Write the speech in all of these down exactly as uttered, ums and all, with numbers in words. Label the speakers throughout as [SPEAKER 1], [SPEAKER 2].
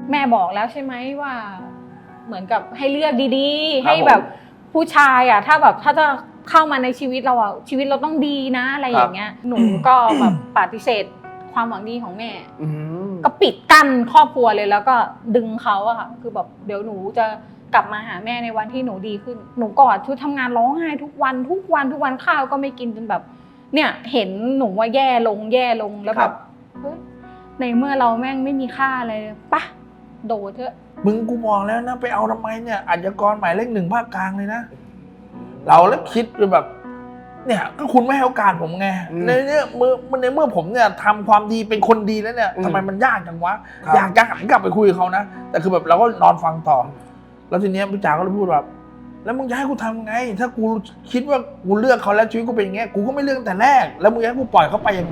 [SPEAKER 1] แม่บอกแล้วใช่ไหมว่าเหมือนกับให้เลือกดีๆให้แบบผู้ชายอ่ะถ้าแบบถ้าจะเข้ามาในชีวิตเราอ่ะชีวิตเราต้องดีนะอะไรอย่างเงี้ยหนูก็แบบปฏิเสธความหวังดีของแม่ก็ปิดกั้นครอบครัวเลยแล้วก็ดึงเขาอะค่ะคือแบบเดี๋ยวหนูจะกลับมาหาแม่ในวันที่หนูดีขึ้นหนูกอดชุดทำงานร้องไห้ทุกวันทุกวันทุกวันข้าวก็ไม่กินจนแบบเนี่ยเห็นหนูว่าแย่ลงแย่ลงแล้วแบบเฮ้ยในเมื่อเราแม่งไม่มีค่าอะไรปะโดดเถอะ
[SPEAKER 2] มึงกูมองแล้วนะไปเอาทำไมเนี่ยอาชญากรหมายเลขหนึ่งภาคกลางเลยนะเราแล้วคิดแบบเนี่ยก็คุณไม่ให้โอกาสผมไงในเนี้ยเมื่อในเมื่อผมเนี่ยทำความดีเป็นคนดีแล้วเนี่ยทำไมมันยากจังวะอยากจะหันกลับไปคุยกับเขานะแต่คือแบบเราก็นอนฟังต่อแล้วทีเนี้ยพี่จ๋าก็เลยพูดแบบแล้วมึงจะให้กูทำไงถ้ากูคิดว่ากูเลือกเขาแล้วชีวิตกูเป็นอย่างเงี้ยกูก็ไม่เลือกแต่แรกแล้วมึงจะให้กูปล่อยเขาไปยังไง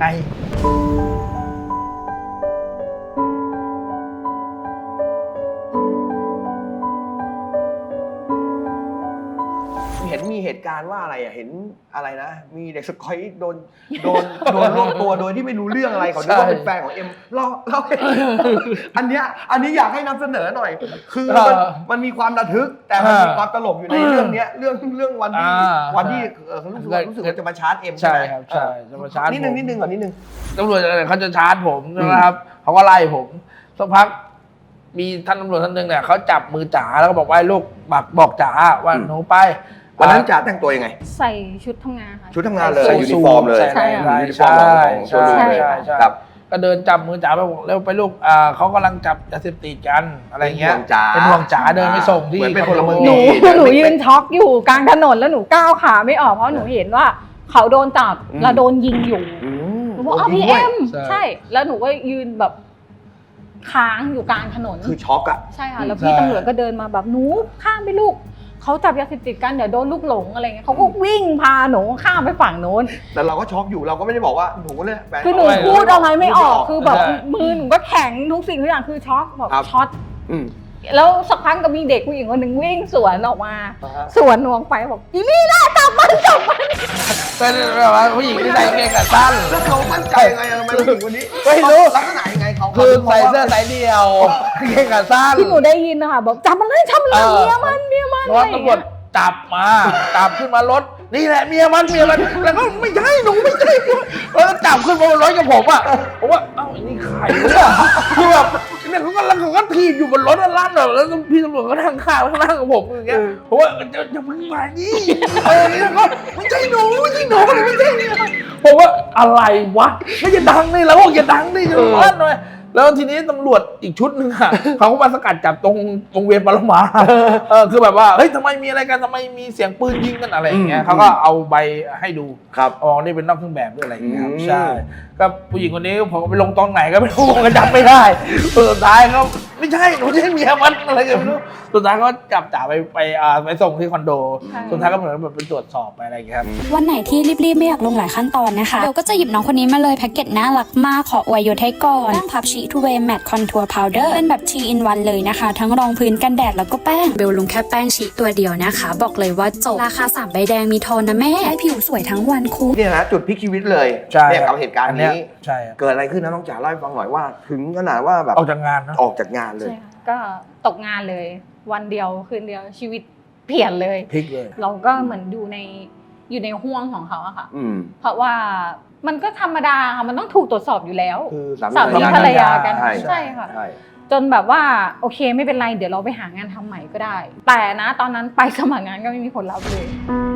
[SPEAKER 3] เห็นมีเหตุการณ์ว่าอะไรอ่ะเห็นอะไรนะมีเด็กสกอยโดนโดนโดนรวบตัวโดยที่ไม่รู้เรื่องอะไรเขาคิดว่าเป็นแฟนของเอ็มเล่าเล่าอันเนี้ยอันนี้อยากให้นำเสนอหน่อยคือมันมันมีความระทึกแต่มันมีความตลกอยู่ในเรื่องเนี้ยเรื่องเรื่องวันที่วันที่เขารู้สึกว่ารู้สึกว่าจะมาชาร์จเอ็มใช่ไหมครับ
[SPEAKER 2] ใช่จะมาชาร์จ
[SPEAKER 3] นิดนึงนิดนึงก่อนนิดนึง
[SPEAKER 2] ตำรวจเขาจะชาร์จผมนะครับเขาก็ไล่ผมสักพักมีท่านตำรวจท่านหนึ่งเนี่ยเขาจับมือจ๋าแล้วก็บอกว่าลูกบอกบอกจ๋าว่าหนูไป
[SPEAKER 3] วันนั้นจ๋าแต่งตัวยังไง
[SPEAKER 1] ใส่ชุดทำงานค่ะ
[SPEAKER 3] ชุดทำงานเลยยูนิฟอร์มเลย
[SPEAKER 2] ใช่ใช่ใช่ใช่ใช่ก็เดินจับมือจ๋าไปบอกเร็วไปลูกอ่าเขากำลังจับยาเสพติดกันอะไรเงี้ยเป็นห่วงจ๋าเดินไปส่งที่
[SPEAKER 3] เป็นพลเมือง
[SPEAKER 1] ดีหนูยืนช็อกอยู่กลางถนนแล้วหนูก้าวขาไม่ออกเพราะหนูเห็นว่าเขาโดนจับแล้วโดนยิงอยู่หนูบอกอ้าวพี่เอ็มใช่แล้วหนูก็ยืนแบบค้างอยู่กลางถนน
[SPEAKER 3] คือช็อกอะ
[SPEAKER 1] ใช่ค่ะแล้วพี่ตำรวจก็เดินมาแบบหนูข้ามไปลูกเขาจับยาเสพติดกันเดี๋ยวโดนลูกหลงอะไรเงี้ยเขาก็วิ่งพาหนูข้ามไปฝั่งโน้น
[SPEAKER 3] แต่เราก็ช็อกอยู่เราก็ไม่ได้บอกว่าหนูเลย
[SPEAKER 1] คือหนูพูดอะไรไม่ออกคือแบบมือหนูก็แข็งทุกสิ่งทุกอย่างคือช็อกแบบช็อตแล้วสักพักก็มีเด็กผู้หญิงคนหนึ่งวิ่งสวนออกมาสวนหนูออกไปบอกอีนี่นะจับมันจับมัน
[SPEAKER 2] เป็นแบบว่าผู้หญิงที่ใส่เกงขาสั้น
[SPEAKER 3] แล้วเขามั่นใจยังไงทำไมผู้หญิงคนนี้
[SPEAKER 2] ไม่รู้
[SPEAKER 3] ลักษณะยังไงเขา
[SPEAKER 2] คือใส่เสื้อสายเดี่ยวเกงขาสั้น
[SPEAKER 1] ที่หนูได้ยินนะคะบอกจับมันเลยจับมันเมียมันเมียมัน
[SPEAKER 2] รถตำรวจจับมาจับขึ้นมารถนี่แหละเมียมันเมียมันแล้วก็ไม่ใช่หนูไม่ใช่แล้วจับขึ้นมาบนรถกับผมอ่ะผมว่าเอ้านี่ใครเนี่ยคือแบบเนี่ยเขาก็แล้วเขาก็ถีบอยู่บนรถลั่นแบบแล้วพี่ตำรวจก็นั่งข้างข้างกับผมอย่างเงี้ยผมว่าจะจะมึงมานี่เออนี่ก็ไม่ใช่หนูไม่ใช่หนูไม่ใช่เนี่ยผมว่าอะไรวะไม่จะดังนี่แล้วก็จะดังนี่จะลั่นเลยแล้วทีนี้ตำรวจอีกชุดหนึ่งอ่ะเขาก็มาสกัดจับตรงวงเวียนปรมาเออคือแบบว่าเฮ้ยทำไมมีอะไรกันทำไมมีเสียงปืนยิงกันอะไรอย่างเงี้ยเขาก็เอาใบให้ดู
[SPEAKER 3] ครับ
[SPEAKER 2] อ๋อนี่เป็นนอกเครื่องแบบด้วยอะไรอย่างเงี้ยใช่ก็ผู้หญิงคนนี้ผมไปลงตอนไหนก็ไม่รู้ก็จำไม่ได้สุดท้ายเขาไม่ใช่หนูใช่เมียมันอะไรกันไม่รู้สุดท้ายก็จับจ่าไปไปอ่าไปส่งที่คอนโดสุดท้ายก็เหมือนแบบไปตรวจสอบไปอะไรอย่างเงี้ยครับ
[SPEAKER 4] วันไหนที่รีบๆไม่อยากลงหลายขั้นตอนนะคะเราก็จะหยิบน้องคนนี้มาเลยแพ็กเกจน่ารักมากขออวยยศให้ก่อนแป้งพับชีทูเวย์แมตต์คอนทัวร์พาวเดอร์เป็นแบบ ที อิน วัน เลยนะคะทั้งรองพื้นกันแดดแล้วก็แป้งเบลลงแค่แป้งชีตัวเดียวนะคะบอกเลยว่าจบราคาสามใบแดงมีโทนนะแม่ให้ผิวสวยทั้งวันคุ้ม
[SPEAKER 3] เนี่ยนะจุดพลิกชีวิตเลยเนี่ยกับเหตุการณ์นี้
[SPEAKER 2] ใช่
[SPEAKER 3] เกิดอะไรขึ้นนะน้องจ๋าเล่าให้ฟังหน่อยว่าถึงขนาดว่าแบบ
[SPEAKER 2] ออกจากงานนะ
[SPEAKER 3] ออกจากงานเลย
[SPEAKER 1] ก็ตกงานเลยวันเดียวคืนเดียวชีวิตเปลี่ยนเลย
[SPEAKER 2] พลิกเลย
[SPEAKER 1] เราก็เหมือนอยู่ในอยู่ในห่วงของเขาอะค่ะเพราะว่ามันก็ธรรมดาค่ะมันต้องถูกตรวจสอบอยู่แล้วสามีภรรยากันใช่ค่ะจนแบบว่าโอเคไม่เป็นไรเดี๋ยวเราไปหางานทำใหม่ก็ได้แต่นะตอนนั้นไปสมัครงานก็ไม่มีผลลัพธ์เลย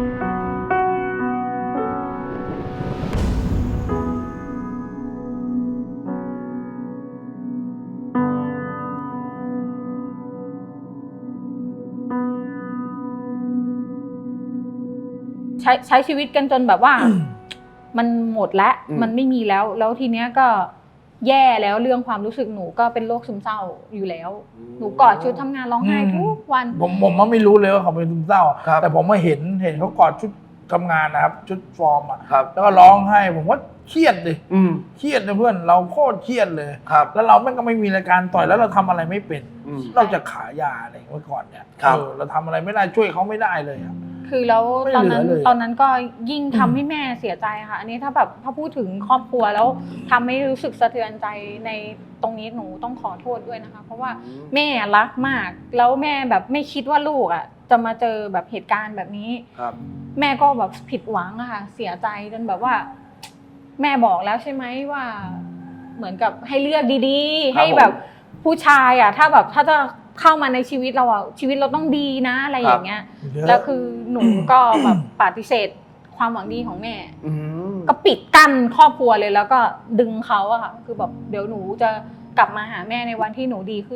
[SPEAKER 1] ใช้ใช้ชีวิตกันจนแบบว่า มันหมดแล้วมันไม่มีแล้วแล้วทีเนี้ยก็แย่แล้วเรื่องความรู้สึกหนูก็เป็นโรคซึมเศร้าอยู่แล้วหนูกอดชุดทำงานร้องไห้ทุกวัน
[SPEAKER 2] ผมผมไม่รู้เลยว่าเขาเป็นซึมเศร้าแต่ผมมาเห็นเห็นเขากอดชุดทำงานนะครับชุดฟอร์มอ่ะแล้วก็ร้องไห้ผมว่าเครียดเลยเครียดเลยเพื่อนเราโคตรเครียดเลยแล้วเราแม่งก็ไม่มีรายการต่อยแล้วเราทำอะไรไม่เป็นนอกจากขายยาอะไรเมื่อก่อนเนี่ยเราทำอะไรไม่ได้ช่วยเขาไม่ได้เลย
[SPEAKER 1] คือแล้ว
[SPEAKER 2] ไม่
[SPEAKER 1] ตอน
[SPEAKER 2] เหลื
[SPEAKER 1] นั้
[SPEAKER 2] อน เลย
[SPEAKER 1] ตอนนั้นก็ยิ่งทำให้แม่เสียใจค่ะ อันนี้ถ้าแบบถ้าพูดถึงครอบครัวแล้วทำให้รู้สึกสะเทือนใจในตรงนี้หนูต้องขอโทษด้วยนะคะ เพราะว่าแม่รักมากแล้วแม่แบบไม่คิดว่าลูกอ่ะจะมาเจอแบบเหตุการณ์แบบนี้
[SPEAKER 3] ครับ
[SPEAKER 1] แม่ก็แบบผิดหวังอะค่ะเสียใจจนแบบว่า แม่บอกแล้วใช่ไหมว่า เหมือนกับให้เลือกดีๆ ให้แบบผู้ชายอ่ะ ถ้าแบบถ้าจะเข้ามาในชีวิตเราอ่ะชีวิตเราต้องดีนะอะไรอย่างเงี้ย แล้วคือหนูก็แบบปฏิเสธความหวังดีของแม่
[SPEAKER 3] อืม
[SPEAKER 1] ก็ปิดกั้นครอบครัวเลยแล้วก็ดึงเขาอะค่ะคือแบบเดี๋ยวหนูจะกลับมาหาแม่ในวันที่หนูดีขึ้น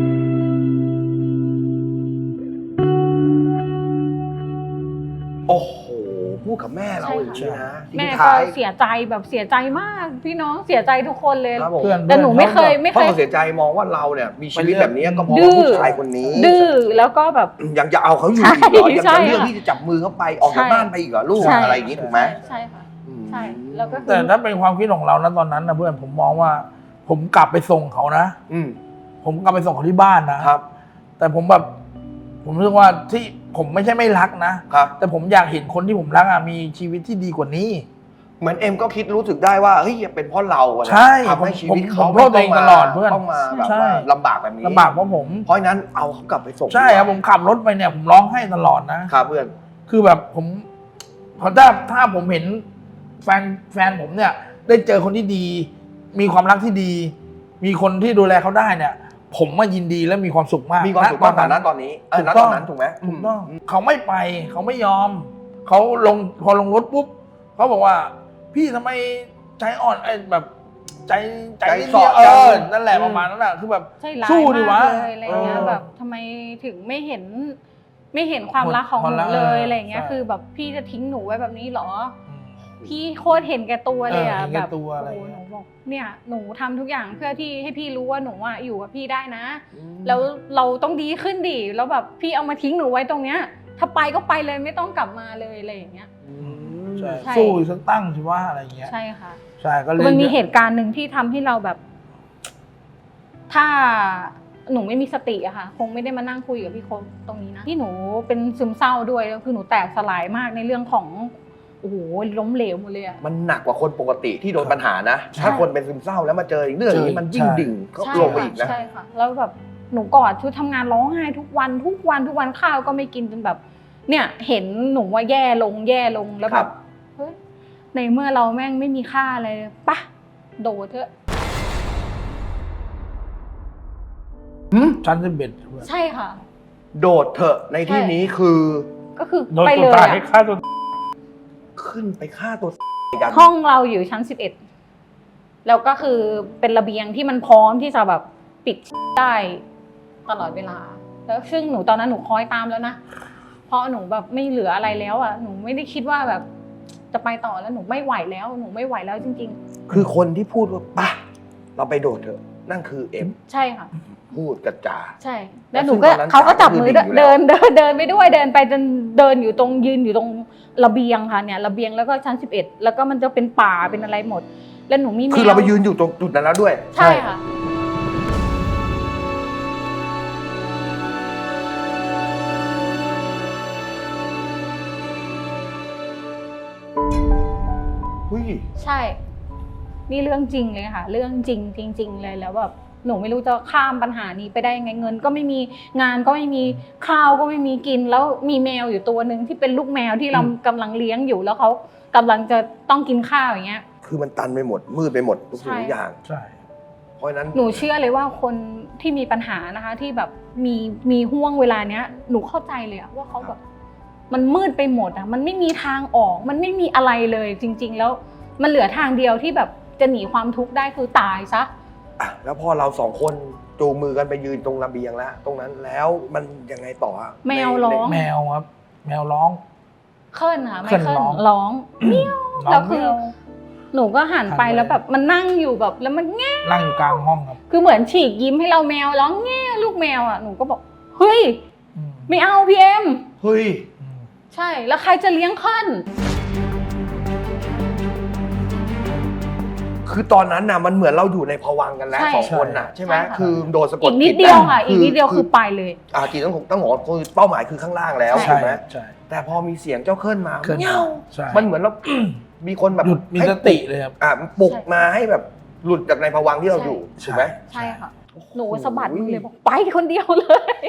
[SPEAKER 3] โอ้โหพูดกับแม่เรา
[SPEAKER 1] ใช่
[SPEAKER 3] อย่าง
[SPEAKER 1] ค่ะ
[SPEAKER 3] นี้นะ
[SPEAKER 1] แม่
[SPEAKER 3] ทิ้ง
[SPEAKER 1] ก็
[SPEAKER 3] ท้าย
[SPEAKER 1] เสียใจแบบเสียใจมาก พี่น้องเสียใจทุกคนเลย
[SPEAKER 3] ครับผม
[SPEAKER 2] เพื่อน
[SPEAKER 1] แต่หนูไม่เคยไม่
[SPEAKER 3] พ่
[SPEAKER 1] เค
[SPEAKER 3] อย เสียใจมองว่าเราเนี่ยมีชีวิตแบบนี้ก็เพราะ
[SPEAKER 1] ดื้
[SPEAKER 3] ว่า
[SPEAKER 1] อ
[SPEAKER 3] ผู้ชายคนนี้
[SPEAKER 1] ดื้อแล้วก็แบบ
[SPEAKER 3] ยังจะเอาเขาอยู่อีกเหรอยัง
[SPEAKER 1] ใช่
[SPEAKER 3] จะเลือก
[SPEAKER 1] ค่ะ
[SPEAKER 3] ที่จะจับมือเขาไปออกจาก
[SPEAKER 1] ใช่
[SPEAKER 3] บ้านไปอีกเหรอลูก
[SPEAKER 1] ใช่
[SPEAKER 3] อะไรอย่างนี้ถูกไหม
[SPEAKER 1] ใช่ค่ะ
[SPEAKER 3] อืม
[SPEAKER 1] ใช่แล้วก็คือ
[SPEAKER 2] แต่ถ้าเป็นความคิดของเรานะตอนนั้นนะเพื่อนผมมองว่า ผมกลับไปส่งเขานะ
[SPEAKER 3] อืม
[SPEAKER 2] ผมกลับไปส่งเขาที่บ้านนะครับ แต่ผมแบบ ผมรู้สึกว่าที่ผมไม่ใช่ไม่รักนะ
[SPEAKER 3] ครับ
[SPEAKER 2] แต่ผมอยากเห็นคนที่ผมรักอะมีชีวิตที่ดีกว่านี้
[SPEAKER 3] เหมือนเอ็มก็คิดรู้สึกได้ว่าเฮ้ยเป็นเพราะเราอะนะ
[SPEAKER 2] ใช่
[SPEAKER 3] ทำให้ชีวิต
[SPEAKER 2] ผม
[SPEAKER 3] เขา
[SPEAKER 2] ผมโทษตัวเองตลอดเพื่อน
[SPEAKER 3] ต้องมาแบบ
[SPEAKER 2] ใช่
[SPEAKER 3] ว่าลำบากแบบนี้
[SPEAKER 2] ลำบากเพราะผม
[SPEAKER 3] เพราะฉะนั้นเอาเขากลับไปส่ง
[SPEAKER 2] ใช่ครับผมขับรถไปเนี่ย ผมร้องไห้ตลอดนะ
[SPEAKER 3] ครับเพื่อน
[SPEAKER 2] คือแบบผมพอถ้าถ้าผมเห็นแฟนแฟนผมเนี่ย ได้เจอคนที่ดี มีความรักที่ดี มีคนที่ดูแลเขาได้เนี่ย ผมมายินดีและมีความสุขมาก
[SPEAKER 3] มีความสุขมากกว่านั้นตอนนี้เออณตอนนั้นถูกไหม
[SPEAKER 2] ถูกต้องเขาไม่ไป เขาไม่ยอม เขาลงพอลงรถปุ๊บเขาบอกว่า พี่ทำไมใจอ่อนไอ้แบบใจใจ
[SPEAKER 3] ใจ
[SPEAKER 2] นิด
[SPEAKER 3] สอ
[SPEAKER 2] เดียว
[SPEAKER 3] ด
[SPEAKER 2] เอ
[SPEAKER 3] จัง
[SPEAKER 2] อนั่นแหละประมาณนั้นแหละคือแบบ
[SPEAKER 1] ใจร้าย
[SPEAKER 2] สู้ดิวะ
[SPEAKER 1] มากเลยอะไรเงี้ย
[SPEAKER 2] เออ
[SPEAKER 1] แบบทำไมถึงไม่เห็น ไม่เห็นความรักของห
[SPEAKER 2] ความ
[SPEAKER 1] นู
[SPEAKER 2] รัก
[SPEAKER 1] เลย
[SPEAKER 2] เออ
[SPEAKER 1] อะไรเงี้ย
[SPEAKER 2] ใช่
[SPEAKER 1] คือแบบพี่จะทิ้งหนูไว้แบบนี้เหรอ
[SPEAKER 2] อืม
[SPEAKER 1] พี่โคตรเห็นแก่ตัวเลยอ่ะ
[SPEAKER 2] เออเห็น
[SPEAKER 1] แบ
[SPEAKER 2] แก่
[SPEAKER 1] บ
[SPEAKER 2] ตัวอะไร
[SPEAKER 1] โอ้โห
[SPEAKER 2] เงี้
[SPEAKER 1] หนู
[SPEAKER 2] ย
[SPEAKER 1] บอกเนี่ยหนูทำทุกอย่างเพื่อที่ให้พี่รู้ว่าหนูอ่ะอยู่กับพี่ได้นะ แล้วเราต้องดีขึ้นดิแล้วแบบพี่เอามาทิ้งหนูไว้ตรงเนี้ย ถ้าไปก็ไปเลยไม่ต้องกลับมาเลยอะไรอย่างเงี้ย
[SPEAKER 2] ใช่
[SPEAKER 1] ใช่
[SPEAKER 2] สู้อีกสักตั้งสิว่าอะไรเงี้ย
[SPEAKER 1] ใช่ค่ะ
[SPEAKER 2] ใช่ก็เล
[SPEAKER 1] คื
[SPEAKER 2] ย
[SPEAKER 1] อมันมีเหตุการณ์หนึ่งที่ทำให้เราแบบ ถ้าหนูไม่มีสติอะค่ะ คงไม่ได้มานั่งคุยกับพี่โค้ชตรงนี้นะที่หนูเป็นซึมเศร้าด้วยแล้วคือหนูแตกสลายมากในเรื่องของโอ้โหล้มเหลวหมดเลยอะ
[SPEAKER 3] มันหนักกว่าคนปกติที่โดนปัญหานะ
[SPEAKER 1] ใช่
[SPEAKER 3] ถ้าคนเป็นซึมเศร้าแล้วมาเจออีกเรื่องอย่างนี้มันยิ่งดิ่งก็
[SPEAKER 1] ใช่
[SPEAKER 3] ลงไปอีกนะ
[SPEAKER 1] ใช่ค่ะแล้วแบบหนูกอดชุดทำงานร้องไห้ทุกวันทุกวันทุกวันข้าวก็ไม่กินจนแบบ เนี่ย เห็นหนูว่าแย่ลงแย่ลงแล้ว
[SPEAKER 3] ค
[SPEAKER 1] แบ
[SPEAKER 3] รั
[SPEAKER 1] บบ เฮ้ยในเมื่อเราแม่งไม่มีค่าอะไรเลยปะโดดเถอะ
[SPEAKER 2] ชั้นสิบเอ็ด
[SPEAKER 1] ใช่ค่ะ
[SPEAKER 3] โดดเถอะในที่
[SPEAKER 1] ใช่
[SPEAKER 3] นี้คือ
[SPEAKER 1] ก็คือ
[SPEAKER 2] โดน
[SPEAKER 1] ไป
[SPEAKER 2] ตั
[SPEAKER 1] เล
[SPEAKER 2] วย ตาย
[SPEAKER 1] อะ
[SPEAKER 2] ให้ฆ่าตัว
[SPEAKER 3] ขึ้นไปฆ่าตัวกัน
[SPEAKER 1] ห้องเราอยู่ชั้นสิบเอ็ดแล้วก็คือเป็นระเบียงที่มันพร้อมที่จะแบบปิดได้ตลอดเวลา แล้วซึ่งหนูตอนนั้นหนูคอยตามแล้วนะเพราะหนูแบบไม่เหลืออะไรแล้วอ่ะหนูไม่ได้คิดว่าแบบ จะไปต่อแล้วหนูไม่ไหวแล้วหนูไม่ไหวแล้วจริง
[SPEAKER 3] คือคนที่พูดว่าป่ะเราไปโดดเถอะ นั่นคือเอ็ม
[SPEAKER 1] ๆ ใช่ค่ะ
[SPEAKER 3] พูดกระจา
[SPEAKER 1] ใช่ แล้วหนูก็
[SPEAKER 3] ซึ่งตอนนั้น
[SPEAKER 1] เขาก็จับมือ
[SPEAKER 3] จ๋าก็คือดิ่งอยู่แล้ว
[SPEAKER 1] เดินเดินเดินไปด้วยเดินไปจนเดินอยู่ตรงยืนอยู่ตรงระเบียงค่ะเนี่ยระเบียงแล้วก็ชั้นสิบเอ็ดแล้วก็มันจะเป็นป่าเป็นอะไรหมด แล้วหนูมีแมว
[SPEAKER 3] คือเราไปยืนอยู่ตรงจุดนั้นแล้วด้วย
[SPEAKER 1] ใช่ค่ะ
[SPEAKER 3] หุ้ย
[SPEAKER 1] ใช่ นี่เรื่องจริงเลยค่ะ เรื่องจริงจริง ๆ เลยแล้วแบบหนูไม่รู้จะข้ามปัญหานี้ไปได้ยังไงเงิน ก็ไม่มีงานก็ไม่มีข้าวก็ไม่มีกิน แล้วมีแมวอยู่ตัวหนึ่งที่เป็นลูกแมวที่เรากำลังเลี้ยงอยู่แล้วเขากำลังจะต้องกินข้าวอย่างเงี้ย
[SPEAKER 3] คือมันตันไปหมด มืดไปหมดทุกสิ่ง
[SPEAKER 1] ใช่
[SPEAKER 3] ทุกอย่าง
[SPEAKER 2] ใช่
[SPEAKER 3] เพราะฉะนั้น
[SPEAKER 1] หนูเชื่อเลยว่าคนที่มีปัญหานะคะ ที่แบบมีมีห่วงเวลาเนี้ย หนูเข้าใจเลยอะว่าเขาแบบมันมืดไปหมดอะมันไม่มีทางออก มันไม่มีอะไรเลยจริง ๆ แล้วมันเหลือทางเดียวที่แบบจะหนีความทุกข์ได้คือตายซะ
[SPEAKER 3] อ่ะแล้วพอเราสองคนจูงมือกันไปยืนตรงระเบียงแล้ว ตรงนั้นแล้วมันยังไงต่ออะ
[SPEAKER 1] แมว
[SPEAKER 3] ใน
[SPEAKER 1] ร้อง
[SPEAKER 3] ใน
[SPEAKER 2] แมวครับ แมวร้อง
[SPEAKER 1] เคิลค่ะไม่
[SPEAKER 2] เคิ่น
[SPEAKER 1] เคิล
[SPEAKER 2] ร้อง
[SPEAKER 1] ร้องเมียว
[SPEAKER 2] ร้อง
[SPEAKER 1] แล้วคือ
[SPEAKER 2] แมว
[SPEAKER 1] หนูก็หันไป
[SPEAKER 2] หันไป
[SPEAKER 1] แล้วแบบมันนั่งอยู่แบบแล้วมันแง่
[SPEAKER 2] นั่งอยู่กลางห้องครับ
[SPEAKER 1] คือเหมือนฉีกยิ้มให้เราแมวร้องแง่ลูกแมวอ่ะหนูก็บอกเฮ้ย
[SPEAKER 2] อืม
[SPEAKER 1] ไม่เอาพี่เอ็ม
[SPEAKER 3] เฮ้ย
[SPEAKER 2] อืม
[SPEAKER 1] ใช่แล้วใครจะเลี้ยงเคิล
[SPEAKER 3] คือตอนนั้นน่ะมันเหมือนเราอยู่ในภวังค์กันแล้ว
[SPEAKER 1] ใช่
[SPEAKER 3] สองคนน่ะใช่ไหม
[SPEAKER 1] ใช่ค่ะ
[SPEAKER 3] คือโดนสะก
[SPEAKER 1] อี
[SPEAKER 3] ด
[SPEAKER 1] กนิด
[SPEAKER 3] จิต
[SPEAKER 1] เดียวค่ะ
[SPEAKER 3] ะ
[SPEAKER 1] อีกนิดเดียวคือไปเลย
[SPEAKER 3] อ่าจริงต้องต้องบอกว่าคือเป้าหมายคือข้างล่างแล้ว
[SPEAKER 1] ใช่
[SPEAKER 3] ถูกไหม
[SPEAKER 2] ใช่
[SPEAKER 3] แต่พอมีเสียงเจ้าเคลื่อนมา
[SPEAKER 2] เคลื่อนมา
[SPEAKER 3] เงี้ยว
[SPEAKER 2] ใช่
[SPEAKER 3] มันเหมือนเรา มีคนแบบ
[SPEAKER 2] หยุดมี
[SPEAKER 3] ให้
[SPEAKER 2] สติเลยครับ
[SPEAKER 3] อ่าปลุก
[SPEAKER 1] ใช่
[SPEAKER 3] มาให้แบบหลุดจากในภวังค์ที่เรา
[SPEAKER 1] ใช่
[SPEAKER 3] อยู่
[SPEAKER 2] ใช่
[SPEAKER 3] ถูกไหม
[SPEAKER 1] ใช่ค่ะ หนูสะบัดมือเลยบอกไปคนเดียวเลย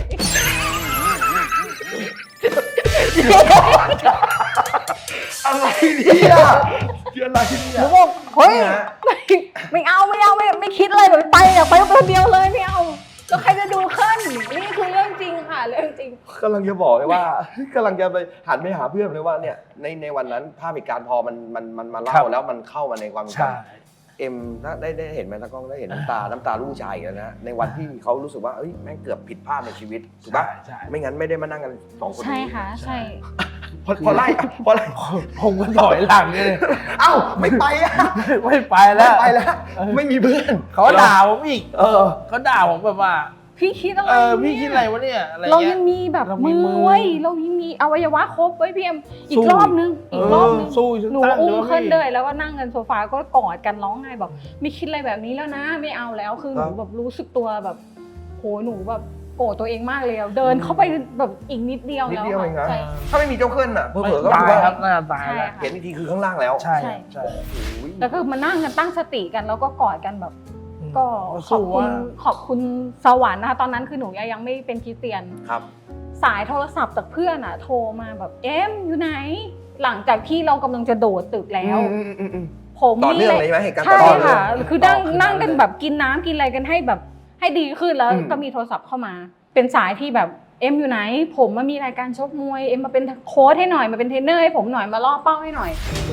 [SPEAKER 3] อะไรเนี่ยอะไร
[SPEAKER 1] ห
[SPEAKER 3] เนี่
[SPEAKER 1] นู
[SPEAKER 3] ย
[SPEAKER 1] บอกเฮ้ย
[SPEAKER 3] เนี่ย
[SPEAKER 1] ไม่ไม่เอาไม่เอาไม่ไม่คิดอะไรแบบไปอยากไปคนเดียวเลยไม่เอาแล้วใครจะดูขึ้นนี่คือเรื่องจริงค่ะเรื่องจริง
[SPEAKER 3] กำลังจะบอกเลยว่ากำลังจะไปหันไปหาเพื่อนเลยว่าเนี่ยในในวันนั้นภาพเหตุการณ์พอมันมันมันมา
[SPEAKER 2] ครั
[SPEAKER 3] เล่า
[SPEAKER 2] บ
[SPEAKER 3] แล้วมันเข้ามาในความจ
[SPEAKER 2] ใช่
[SPEAKER 3] ำเอ็มถ้าได้ได้เห็นไหมตากล้องได้เห็นน้ำตา น้ำตาลูกผู้ชายอีกแล้วนะในวันที่เขารู้สึกว่าเอ้ยแม่งเกือบผิดพลาดในชีวิตถูกปะ
[SPEAKER 2] ใช่ใช่
[SPEAKER 3] ไม่งั้นไม่ได้มานั่งกันสองคน
[SPEAKER 1] ใช่
[SPEAKER 3] นี้
[SPEAKER 1] ค่ะใช่
[SPEAKER 3] พอพอไล่พอไล่
[SPEAKER 2] ผมก็ถอยหลังเลย
[SPEAKER 3] เอ้าไม่ไปอ่ะ
[SPEAKER 2] ไม่ไป
[SPEAKER 3] ไม่
[SPEAKER 2] แล้ว
[SPEAKER 3] ไปแล้ว ไม่มีเพื่อน
[SPEAKER 2] เขาด่าผมอีก
[SPEAKER 3] เออ
[SPEAKER 2] เขาด่าผมแบบว่า
[SPEAKER 1] พี่คิดอะไร
[SPEAKER 2] เออ
[SPEAKER 1] เนี่ย
[SPEAKER 2] พี่คิดอะไรวะเนี่ยอะไร
[SPEAKER 1] เรา
[SPEAKER 2] เงี้
[SPEAKER 1] ยั
[SPEAKER 2] ย
[SPEAKER 1] งมีแบบ
[SPEAKER 2] เรามี
[SPEAKER 1] มือ
[SPEAKER 2] มือ
[SPEAKER 1] ไว้ยเรายังมีอวัยวะครบไว้ยพี่เอ็มอี
[SPEAKER 2] สู้
[SPEAKER 1] กรอบนึงอีกรอบนึง
[SPEAKER 2] เออสู้อีกสัก
[SPEAKER 1] หนู
[SPEAKER 2] ตั้ง
[SPEAKER 1] อุ้ม
[SPEAKER 2] เดี๋ยว
[SPEAKER 1] ขึ้น
[SPEAKER 2] พี่
[SPEAKER 1] เลยแล้วก็นั่งกันโซฟาก็กอดกันร้องไห้แบบไม่คิดอะไรแบบนี้แล้วนะไม่เอาแล้วคือหนูแบบรู้สึกตัวแบบโหหนูแบบโกรธตัวเองมากเลยอะเดินเข้าไปแบบอีกนิดเดียว
[SPEAKER 3] นิด
[SPEAKER 1] แล้ว
[SPEAKER 3] เดียวเองนะ
[SPEAKER 1] ใช่
[SPEAKER 3] ถ้าไม่มีเจ้าเคลื่อนอ่ะเผล
[SPEAKER 2] ไม่
[SPEAKER 3] อๆก็
[SPEAKER 2] ตาย
[SPEAKER 3] ถือว่า
[SPEAKER 2] ครับน่าจะตาย
[SPEAKER 1] ใช่
[SPEAKER 2] แล้ว
[SPEAKER 1] ค่ะ
[SPEAKER 3] เห็นอีกทีคือข้างล่างแล้ว
[SPEAKER 2] ใช่
[SPEAKER 1] ใช่
[SPEAKER 2] ใช่
[SPEAKER 3] โอ้ย
[SPEAKER 1] แล้วก็มานั่งกันตั้งสติกันแล้วก็กอดกันแบบ ก็ขอบ
[SPEAKER 2] สู้
[SPEAKER 1] คุณ
[SPEAKER 2] ว่า
[SPEAKER 1] ขอบคุณสวรรค์นะคะตอนนั้นคือหนูยังไม่เป็นคริสเตียน
[SPEAKER 3] ครับ
[SPEAKER 1] สายโทรศัพท์จากเพื่อนอ่ะ โทรมาแบบเอ็มอยู่ไหน หลังจากที่เรากำลังจะโดดตึกแล้ว
[SPEAKER 3] อืมอืมอืม
[SPEAKER 1] ผม
[SPEAKER 3] ต่อเนื่อง
[SPEAKER 1] แห
[SPEAKER 3] เลยใช่ไหมเหตุการณ์ต่
[SPEAKER 1] ใช่
[SPEAKER 3] อเนื่องเลย
[SPEAKER 1] ค่ะ คือนั่ง
[SPEAKER 2] ต่อขึ้นมา
[SPEAKER 1] นั่งกัน
[SPEAKER 2] เลย
[SPEAKER 1] แบบกินน้ำกินอะไรกันให้แบบให้ดีขึ้นแล้ว
[SPEAKER 3] อืม
[SPEAKER 1] ก็มีโทรศัพท์เข้ามา เป็นสายที่แบบเอ็มอยู่ไหน ผมมามีรายการชกมวยเอ็มมาเป็นโค้ชให้หน่อยมาเป็นเทรนเนอร์ให้ผมหน่อยมาล่อเป้าให้หน่อย